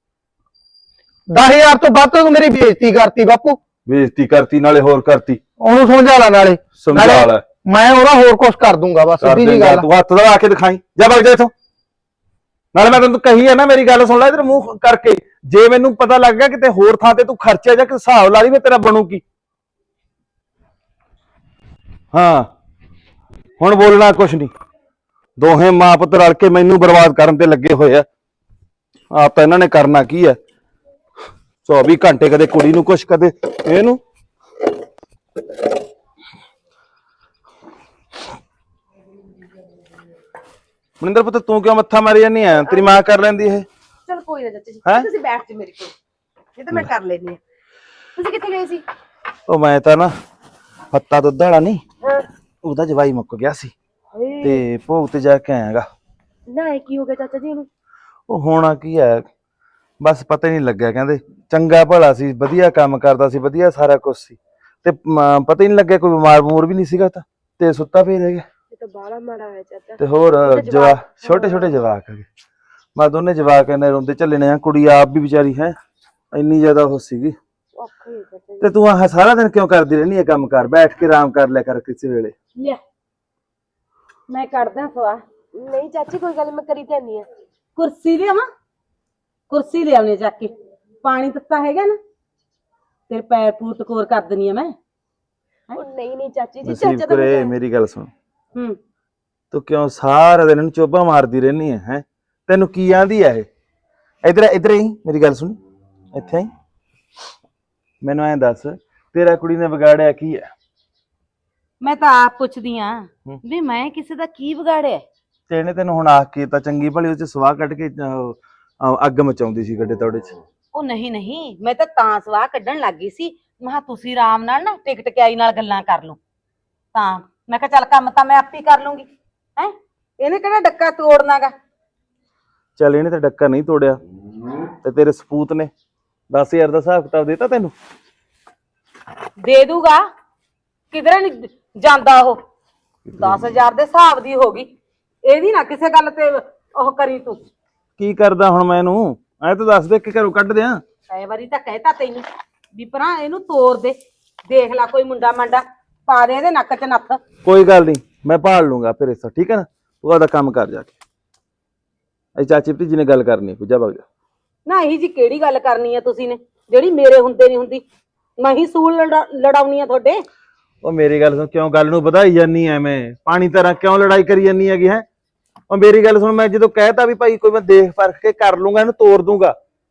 S3: ਦਸ ਹਜ਼ਾਰ ਤੋਂ ਵੱਧ ਤੂੰ ਮੇਰੀ ਬੇਇੱਜ਼ਤੀ ਕਰਤੀ ਬਾਪੂ।
S5: ਬੇਇੱਜ਼ਤੀ ਕਰਤੀ ਨਾਲੇ ਹੋਰ ਕਰਤੀ।
S3: ਉਹਨੂੰ ਸਮਝਾ ਲੈ ਨਾਲੇ।
S5: ਸਮਝਾ ਲੈ।
S3: ਮੈਂ ਉਹਦਾ ਹੋਰ ਕੁਝ ਕਰ ਦੂੰਗਾ ਬਸ,
S5: ਕਰ
S3: ਸਿੱਧੀ ਜੀ
S5: ਦੇਂਗਾ,
S3: ਗੱਲ।
S5: ਤੂੰ ਹੱਥ ਦਾ ਆ ਕੇ ਦਿਖਾਈ, ਜਾ ਵਗ ਜਾ ਇੱਥੋਂ। ਨਾਲੇ ਮੈਂ ਤੈਨੂੰ ਕਹੀ ਹੈ ਨਾ, ਮੇਰੀ ਗੱਲ ਸੁਣ ਲੈ ਇਧਰ ਮੂੰਹ ਕਰਕੇ। ਜੇ ਮੈਨੂੰ ਪਤਾ ਲੱਗ ਗਿਆ ਕਿਤੇ ਹੋਰ ਥਾਂ ਤੇ ਤੂੰ ਖਰਚਿਆ ਜਾਂ ਕਿ ਹਿਸਾਬ ਲਾ ਲਈ, ਮੈਂ ਤੇਰਾ ਬਣੂ ਕੀ। ਹਾਂ ਹੁਣ ਬੋਲਣਾ ਕੁਛ ਨਹੀਂ। ਦੋਹੇ ਮਾਂ ਪੁੱਤ ਰਲ ਕੇ ਮੈਨੂੰ ਬਰਬਾਦ ਕਰਨ ਤੇ ਲੱਗੇ ਹੋਏ ਆ। ਆਪ ਤਾਂ ਇਹਨਾਂ ਨੇ ਕਰਨਾ ਕੀ ਹੈ? ਚੌਵੀ ਘੰਟੇ ਕਦੇ ਕੁੜੀ ਨੂੰ ਕੁਛ, ਕਦੇ ਇਹਨੂੰ। ਮਨਿੰਦਰ ਪੁੱਤ ਤੂੰ ਕਿਉਂ ਮੱਥਾ ਮਾਰੀ ਜਾਂਦੀ ਆ? ਤੇਰੀ ਮਾਂ ਕਰ ਲੈਂਦੀ ਇਹ।
S6: ਚਲ ਕੋਈ ਨਾ ਚਾਚਾ ਜੀ,
S5: ਹੈਂ?
S6: ਤੁਸੀਂ ਬੈਠ ਜਾ ਮੇਰੇ ਕੋਲ, ਇਹ ਤਾਂ ਮੈਂ ਕਰ ਲੈਣੀ ਆ। ਤੁਸੀਂ ਕਿੱਥੇ ਗਏ ਸੀ?
S5: ਉਹ ਮੈਂ ਤਾਂ ਨਾ ਪੱਤਾ ਦੁੱਧ ਵਾਲਾ ਨਹੀਂ, ਉਹਦਾ ਜਵਾਈ ਮੁੱਕ ਗਿਆ ਸੀ ਤੇ ਭੋਗ ਤੇ ਜਾ ਕੇ ਆਇਆਗਾ।
S6: ਨਾ ਇਹ ਕੀ ਹੋ ਗਿਆ ਚਾਚਾ ਜੀ ਨੂੰ?
S5: ਉਹ ਹੋਣਾ ਕੀ ਹੈ, ਬਸ ਪਤਾ ਹੀ ਨਹੀਂ ਲੱਗਿਆ। ਕਹਿੰਦੇ ਚੰਗਾ ਭਲਾ ਸੀ, ਵਧੀਆ ਕੰਮ ਕਰਦਾ ਸੀ, ਵਧੀਆ ਸਾਰਾ ਕੁਝ ਸੀ, ਤੇ ਮ- ਪਤਾ ਹੀ ਨਹੀਂ ਲੱਗਿਆ ਕੋਈ ਬਿਮਾਰ ਬਮੂਰ ਵੀ ਨਹੀਂ ਸੀਗਾ ਤਾਂ, ਤੇ ਸੁੱਤਾ ਪਈ ਰਹਿ ਗਿਆ।
S6: ਇਹ ਤਾਂ ਬਾਹਲਾ ਮਾੜਾ ਹੋਇਆ ਚਾਚਾ।
S5: ਤੇ ਹੋਰ ਜਵਾ ਛੋਟੇ ਛੋਟੇ ਜਵਾਕ ਹੈਗੇ। ਮੈਂ ਦੋਨੇ ਜਵਾਕ ਇਹਨੇ ਰੋਂਦੇ ਝੱਲੇ ਨੇ। ਕੁੜੀ ਆਪ ਵੀ ਵਿਚਾਰੀ ਹੈ ਇੰਨੀ ਜ਼ਿਆਦਾ ਉਹ ਸੀਗੀ।
S6: ਔਖਾ ਹੀ ਚਾਚਾ ਜੀ।
S5: ਤੇ ਤੂੰ ਆਹ ਸਾਰਾ ਦਿਨ ਕਿਉਂ ਕਰਦੀ ਰਹਿੰਦੀ ਹੈ ਕੰਮ? ਕਰ ਬੈਠ ਕੇ ਆਰਾਮ ਕਰ ਲਿਆ ਕਰ ਕਿਸੇ ਵੇਲੇ।
S6: ਲਿਆ ਮੈਂ ਕੱਢਦਾ ਸਵਾ। ਨਹੀਂ ਚਾਚੀ ਕੋਈ ਗੱਲ, ਮੈਂ ਕਰੀ ਤੇ ਨਹੀਂ ਆ।
S4: ਕੁਰਸੀ ਲਿਆਵਾਂ? ਕੁਰਸੀ ਲਿਆਉਣੀ ਜਾ ਕੇ। ਪਾਣੀ ਤੱਤਾ ਹੈਗਾ ਨਾ, ਤੇਰੇ ਪੈਰ ਪੂਰ ਟਕੋਰ ਕਰ ਦਨੀ ਆ ਮੈਂ।
S6: ਉਹ ਨਹੀਂ ਨਹੀਂ ਚਾਚੀ ਜੀ,
S5: ਨਸੀਬ
S6: ਚਾਚਾ ਤਾਂ
S5: ਕਰੇ।
S6: ਮੈਂ-
S5: ਮੇਰੀ ਗੱਲ ਸੁਣ,
S4: ਹੂੰ
S5: ਤੂੰ ਕਿਉਂ ਸਾਰਾ ਦਿਨ ਇਹਨੂੰ ਚੋਬਾ ਮਾਰਦੀ ਰਹਿੰਦੀ ਹੈ? ਹੈ ਤੈਨੂੰ ਕੀ ਆਂਦੀ ਹੈ ਇਹ? ਇਧਰ ਇਧਰ ਹੀ ਮੇਰੀ ਗੱਲ ਸੁਣ, ਇੱਥੇ ਹੀ ਮੈਨੂੰ ਐਂ ਦੱਸ, ਤੇਰਾ ਕੁੜੀ ਨੇ ਵਿਗਾੜਿਆ ਕੀ ਹੈ?
S4: ਮੈਂ ਤਾਂ ਆਪ ਪੁੱਛਦੀ ਆ ਵੀ ਮੈਂ ਕਿਸੇ ਦਾ ਕੀ ਵਿਗਾੜਿਆ?
S5: ਤੇ ਇਹਨੇ ਤੈਨੂੰ ਹੁਣ ਆਖ ਕੇ ਤਾਂ ਚੰਗੀ ਭਲੀ ਉਹ ਚ ਸਵਾਹ ਕੱਢ ਕੇ ਅਹ, ਅਹ, ਅੱਗ ਮਚਾਉਂਦੀ ਸੀ ਗੱਡੇ ਤੌੜੇ ਚ।
S4: ਉਹ ਨਹੀਂ ਨਹੀਂ, ਮੈਂ ਤਾਂ ਤਾਂ ਸਵਾਹ ਕੱਢਣ ਲੱਗ ਗਈ ਸੀ। ਮੈਂ ਕਿਹਾ ਤੁਸੀਂ ਆਰਾਮ ਨਾਲ ਨਾ ਟਿਕਟ ਕਿਆਈ ਨਾਲ ਗੱਲਾਂ ਕਰ ਲਓ, ਤਾਂ ਮੈਂ ਕਿਹਾ ਚੱਲ ਕੰਮ ਤਾਂ ਮੈਂ ਆਪੇ ਕਰ ਲੂੰਗੀ। ਹੈ ਇਹਨੇ ਕਿਹੜਾ ਡੱਕਾ ਤੋੜਨਾਗਾ।
S5: ਚੱਲ ਇਹਨੇ ਤਾਂ ਡੱਕਾ ਨਹੀਂ ਤੋੜਿਆ, ਤੇ ਤੇਰੇ ਸਪੂਤ ਨੇ ਦਸ ਹਜ਼ਾਰ ਦਾ ਹਿਸਾਬ ਕਿਤਾਬ ਦੇਤਾ ਤੈਨੂੰ?
S4: ਦੇ ਦੂਗਾ, ਕਿਧਰੇ ਨਹੀਂ ਜਾਂਦਾ ਉਹ। ਦਸ ਹਜ਼ਾਰ ਦੇ ਹਿਸਾਬ ਦੀ ਹੋ ਗਈ, ਇਹਦੀ ਨਾ ਕਿਸੇ ਗੱਲ ਤੇ ਉਹ ਕਰੀ ਤੂੰ।
S5: ਕੀ ਕਰਦਾ ਹੁਣ ਮੈਂ ਇਹਨੂੰ? ਐ ਤਾਂ ਦੱਸ ਦੇ ਕਿ ਘਰੋਂ ਕੱਢ ਦਿਆਂ।
S4: ਕਈ ਵਾਰੀ ਤਾਂ ਕਹਿਤਾ ਤੈਨੂੰ ਵੀ ਭਰਾ ਇਹਨੂੰ ਤੋੜ ਦੇ, ਦੇਖ ਲੈ ਕੋਈ ਮੁੰਡਾ ਮੰਡਾ ਪਾ ਦੇ ਇਹਦੇ ਨੱਕ 'ਚ ਨੱਥ।
S5: ਕੋਈ ਗੱਲ ਨਹੀਂ, ਮੈਂ ਭਾਲ ਲੂੰਗਾ ਫਿਰ ਇਸ, ਠੀਕ ਹੈ ਨਾ? ਤੂੰ ਆਪਦਾ ਕੰਮ ਕਰ ਜਾ ਕੇ। ਅਈ ਚਾਚੀ ਭਤੀਜੀ ਨੇ ਗੱਲ ਕਰਨੀ, ਪੁੱਜਾ ਵਗ ਜਾ।
S4: ਨਾ ਇਹੀ ਜੀ ਕਿਹੜੀ ਗੱਲ ਕਰਨੀ ਆ ਤੁਸੀਂ ਨੇ, ਜਿਹੜੀ ਮੇਰੇ ਹੁੰਦੇ ਨਹੀਂ ਹੁੰਦੀ? ਮੈਂ ਹੀ ਸੂਲ ਲੜਾ- ਲੜਾਉਣੀ ਆ ਤੁਹਾਡੇ।
S5: ਉਹ ਮੇਰੀ ਗੱਲ ਸੁਣ, ਕਿਉਂ ਗੱਲ ਨੂੰ ਵਧਾਈ ਜਾਨੀ ਐਵੇਂ? ਪਾਣੀ ਤਰ੍ਹਾਂ ਕਿਉਂ ਲੜਾਈ ਕਰੀ ਜਾਨੀ ਹੈਗੀ ਹੈ? ਉਹ ਮੇਰੀ ਗੱਲ ਸੁਣ, ਮੈਂ ਜਦੋਂ ਕਹਿਤਾ ਵੀ ਭਾਈ ਕੋਈ ਮੈਂ ਦੇਖ ਪਰਖ ਕੇ ਕਰ ਲੂੰਗਾ, ਇਹਨੂੰ ਤੋੜ ਦੂੰਗਾ।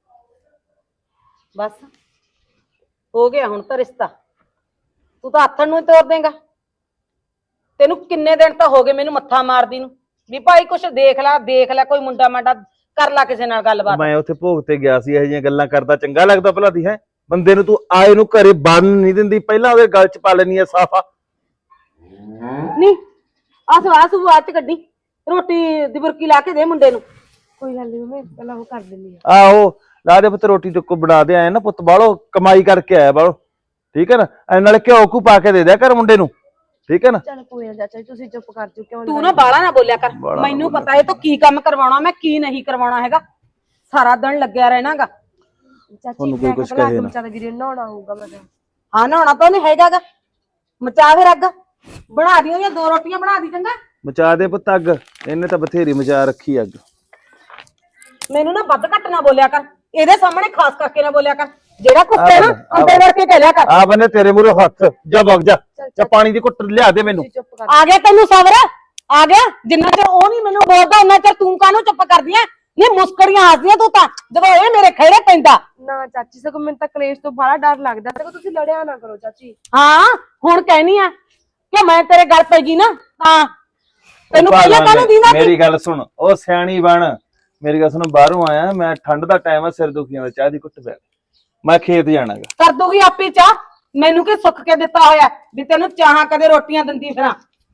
S4: ਬਸ ਹੋ ਗਿਆ ਹੁਣ ਤਾਂ ਰਿਸ਼ਤਾ, ਤੂੰ ਤਾਂ ਆਥਣ ਨੂੰ ਹੀ ਤੋੜ ਦੇਂਗਾ। ਤੈਨੂੰ ਕਿੰਨੇ ਦਿਨ ਤਾਂ ਹੋ ਗਏ ਮੈਨੂੰ ਮੱਥਾ ਮਾਰਦੀ ਨੂੰ ਵੀ ਭਾਈ ਕੁਛ ਦੇਖ ਲੈ ਦੇਖ ਲੈ, ਕੋਈ ਮੁੰਡਾ ਮਾਂਡਾ ਕਰ ਲੈ ਕਿਸੇ ਨਾਲ ਗੱਲਬਾਤ।
S5: ਮੈਂ ਉੱਥੇ ਭੋਗ ਤੇ ਗਿਆ ਸੀ, ਇਹੋ ਜਿਹੀਆਂ ਗੱਲਾਂ ਕਰਦਾ ਚੰਗਾ ਲੱਗਦਾ ਭਲਾ ਦੀ ਹੈ? ਬੰਦੇ ਨੂੰ ਤੂੰ ਆਏ ਨੂੰ ਘਰੇ ਬੰਨ ਨਹੀਂ ਦਿੰਦੀ, ਪਹਿਲਾਂ ਉਹਦੇ ਗਲ 'ਚ ਪਾ ਲੈਣੀ ਆ ਸਾਫਾ।
S4: ਨਹੀਂ ਆ ਸਵਾਹ ਸੁਆਹ ਚ ਕੱਢੀ, ਰੋਟੀ ਦੀ ਬੁਰਕੀ ਲਾ ਕੇ ਦੇ ਮੁੰਡੇ ਨੂੰ।
S6: ਕੋਈ ਗੱਲ ਨਹੀਂ ਮੈਂ ਪਹਿਲਾਂ ਉਹ ਕਰ ਦਿੰਦੀ ਆ।
S5: ਆਹੋ ਲਾ ਦੇ ਪੁੱਤ, ਰੋਟੀ ਟੁੱਕੋ ਬਣਾ ਦੇ। ਆਏ ਨਾ ਪੁੱਤ ਬਾਹਰੋਂ ਕਮਾਈ ਕਰਕੇ ਆਇਆ ਬਾਹਰੋਂ, ਠੀਕ ਹੈ ਨਾ? ਐ ਨਾਲੇ ਘਿਓ ਘੂ ਪਾ ਕੇ ਦੇ ਦਿਆ ਕਰ ਮੁੰਡੇ ਨੂੰ, ਠੀਕ ਹੈ ਨਾ?
S6: ਚੱਲ ਕੋਈ ਨਾ ਚਾਚਾ ਜੀ, ਤੁਸੀਂ ਚੁੱਪ ਕਰ ਜਾਓ। ਕਿਉਂ
S4: ਤੂੰ ਨਾ ਬਾਲਾ ਨਾ ਬੋਲਿਆ ਕਰ,
S5: ਬਾਹਲਾ
S4: ਮੈਨੂੰ ਪਤਾ ਇਹ ਤੋਂ ਕੀ ਕੰਮ ਕਰਵਾਉਣਾ ਮੈਂ ਕੀ ਨਹੀਂ ਕਰਵਾਉਣਾ ਹੈਗਾ। ਸਾਰਾ ਦਿਨ ਲੱਗਿਆ ਰਹਿਣਾਗਾ।
S6: ਚਾਚੀ
S5: ਤੁਹਾਨੂੰ ਕੋਈ
S6: ਮੈਂ
S5: ਕੁਛ
S6: ਕਿਹਾ
S5: ਕਹੇ ਨਾ।
S6: ਚੱਲ ਵੀਰੇ ਨਹਾਉਣਾ ਹੋਊਗਾ ਮੈਂ ਕਿਹਾ।
S4: ਹਾਂ ਨਹਾਉਣਾ ਤਾਂ ਉਹਨੇ ਹੈਗਾਗਾ, ਮਚਾ ਫਿਰ ਅੱਗ, ਬਣਾ ਦੀ ਉਹਦੀਆਂ ਦੋ ਰੋਟੀਆਂ ਬਣਾ ਦੀ ਚੰਗਾ।
S5: ਮਚਾ ਦੇ ਪੁੱਤ ਅੱਗ, ਇਹਨੇ ਤਾਂ ਬਥੇਰੀ ਮਚਾ ਰੱਖੀ ਅੱਗ।
S4: ਮੈਨੂੰ ਨਾ ਵੱਧ ਘੱਟ ਨਾ ਬੋਲਿਆ ਕਰ, ਇਹਦੇ ਸਾਹਮਣੇ ਖਾਸ ਕਰਕੇ ਨਾ ਬੋਲਿਆ ਕਰ। ਜਿਹੜਾ ਕੁਛ ਕਹਿਣਾ ਅੰਦਰ ਵੜ ਕੇ ਕਹਿ ਲਿਆ ਕਰ।
S5: ਆ ਬੰਨੇ ਤੇਰੇ ਮੂਹਰੇ ਹੱਥ, ਜਾ ਵਗ ਜਾ, ਜਾ ਪਾਣੀ ਦੀ ਘੁੱਟ ਲਿਆ ਦੇ ਮੈਨੂੰ।
S6: ਤੁਸੀਂ ਚੁੱਪ ਕਰ
S4: ਆ ਗਿਆ ਤੈਨੂੰ ਸਬਰ ਆ ਗਿਆ? ਜਿੰਨਾ ਚਿਰ ਉਹ ਨਹੀਂ ਮੈਨੂੰ ਬੋਲਦਾ ਉਹਨਾਂ ਚਿਰ ਤੂੰ ਕਾਹਨੂੰ ਚੁੱਪ ਕਰਦੀ ਐ? ਨਹੀਂ ਮੁਸਕਰੀਆਂ ਹੱਸਦੀਆਂ ਤੂੰ ਤਾਂ ਜਦੋਂ ਇਹ ਮੇਰੇ ਖੇੜੇ ਪੈਂਦਾ।
S6: ਨਾ ਚਾਚੀ, ਸਗੋਂ ਮੈਨੂੰ ਤਾਂ ਕਲੇਸ਼ ਤੋਂ ਬੜਾ ਡਰ ਲੱਗਦਾ। ਸਗੋਂ ਤੁਸੀਂ ਲੜਿਆ ਨਾ ਕਰੋ ਚਾਚੀ।
S4: ਹਾਂ ਹੁਣ ਕਹਿਨੀ ਆ ਕਿ ਮੈਂ ਤੇਰੇ ਗੱਲ ਪੈ ਗਈ ਨਾ ਤਾਂ ਤੈਨੂੰ ਪਹਿਲਾਂ ਕਾਹਨੂੰ ਦੀਨਾ ਸੀ?
S5: ਮੇਰੀ ਗੱਲ ਸੁਣ, ਉਹ ਸਿਆਣੀ ਬਣ। ਮੇਰੀ ਗੱਲ ਸੁਣ, ਬਾਹਰੋਂ ਆਇਆ ਮੈਂ, ਠੰਡ ਦਾ ਟਾਈਮ ਆ, ਸਿਰ ਦੁਖੀਆਂ ਦਾ, ਚਾਹ ਦੀ ਘੁੱਟ ਪਿਆ, ਮੈਂ ਖੇਤ ਜਾਣਾਗਾ।
S4: ਕਰ ਦੂਗੀ ਆਪੇ ਚਾਹ, ਮੈਨੂੰ ਕੀ ਸੁੱਖ ਕੇ ਦਿੱਤਾ ਹੋਇਆ ਵੀ ਤੈਨੂੰ ਚਾਹਾਂ ਕਦੇ ਰੋਟੀਆਂ ਦਿੰਦੀ ਫਿਰਾਂ।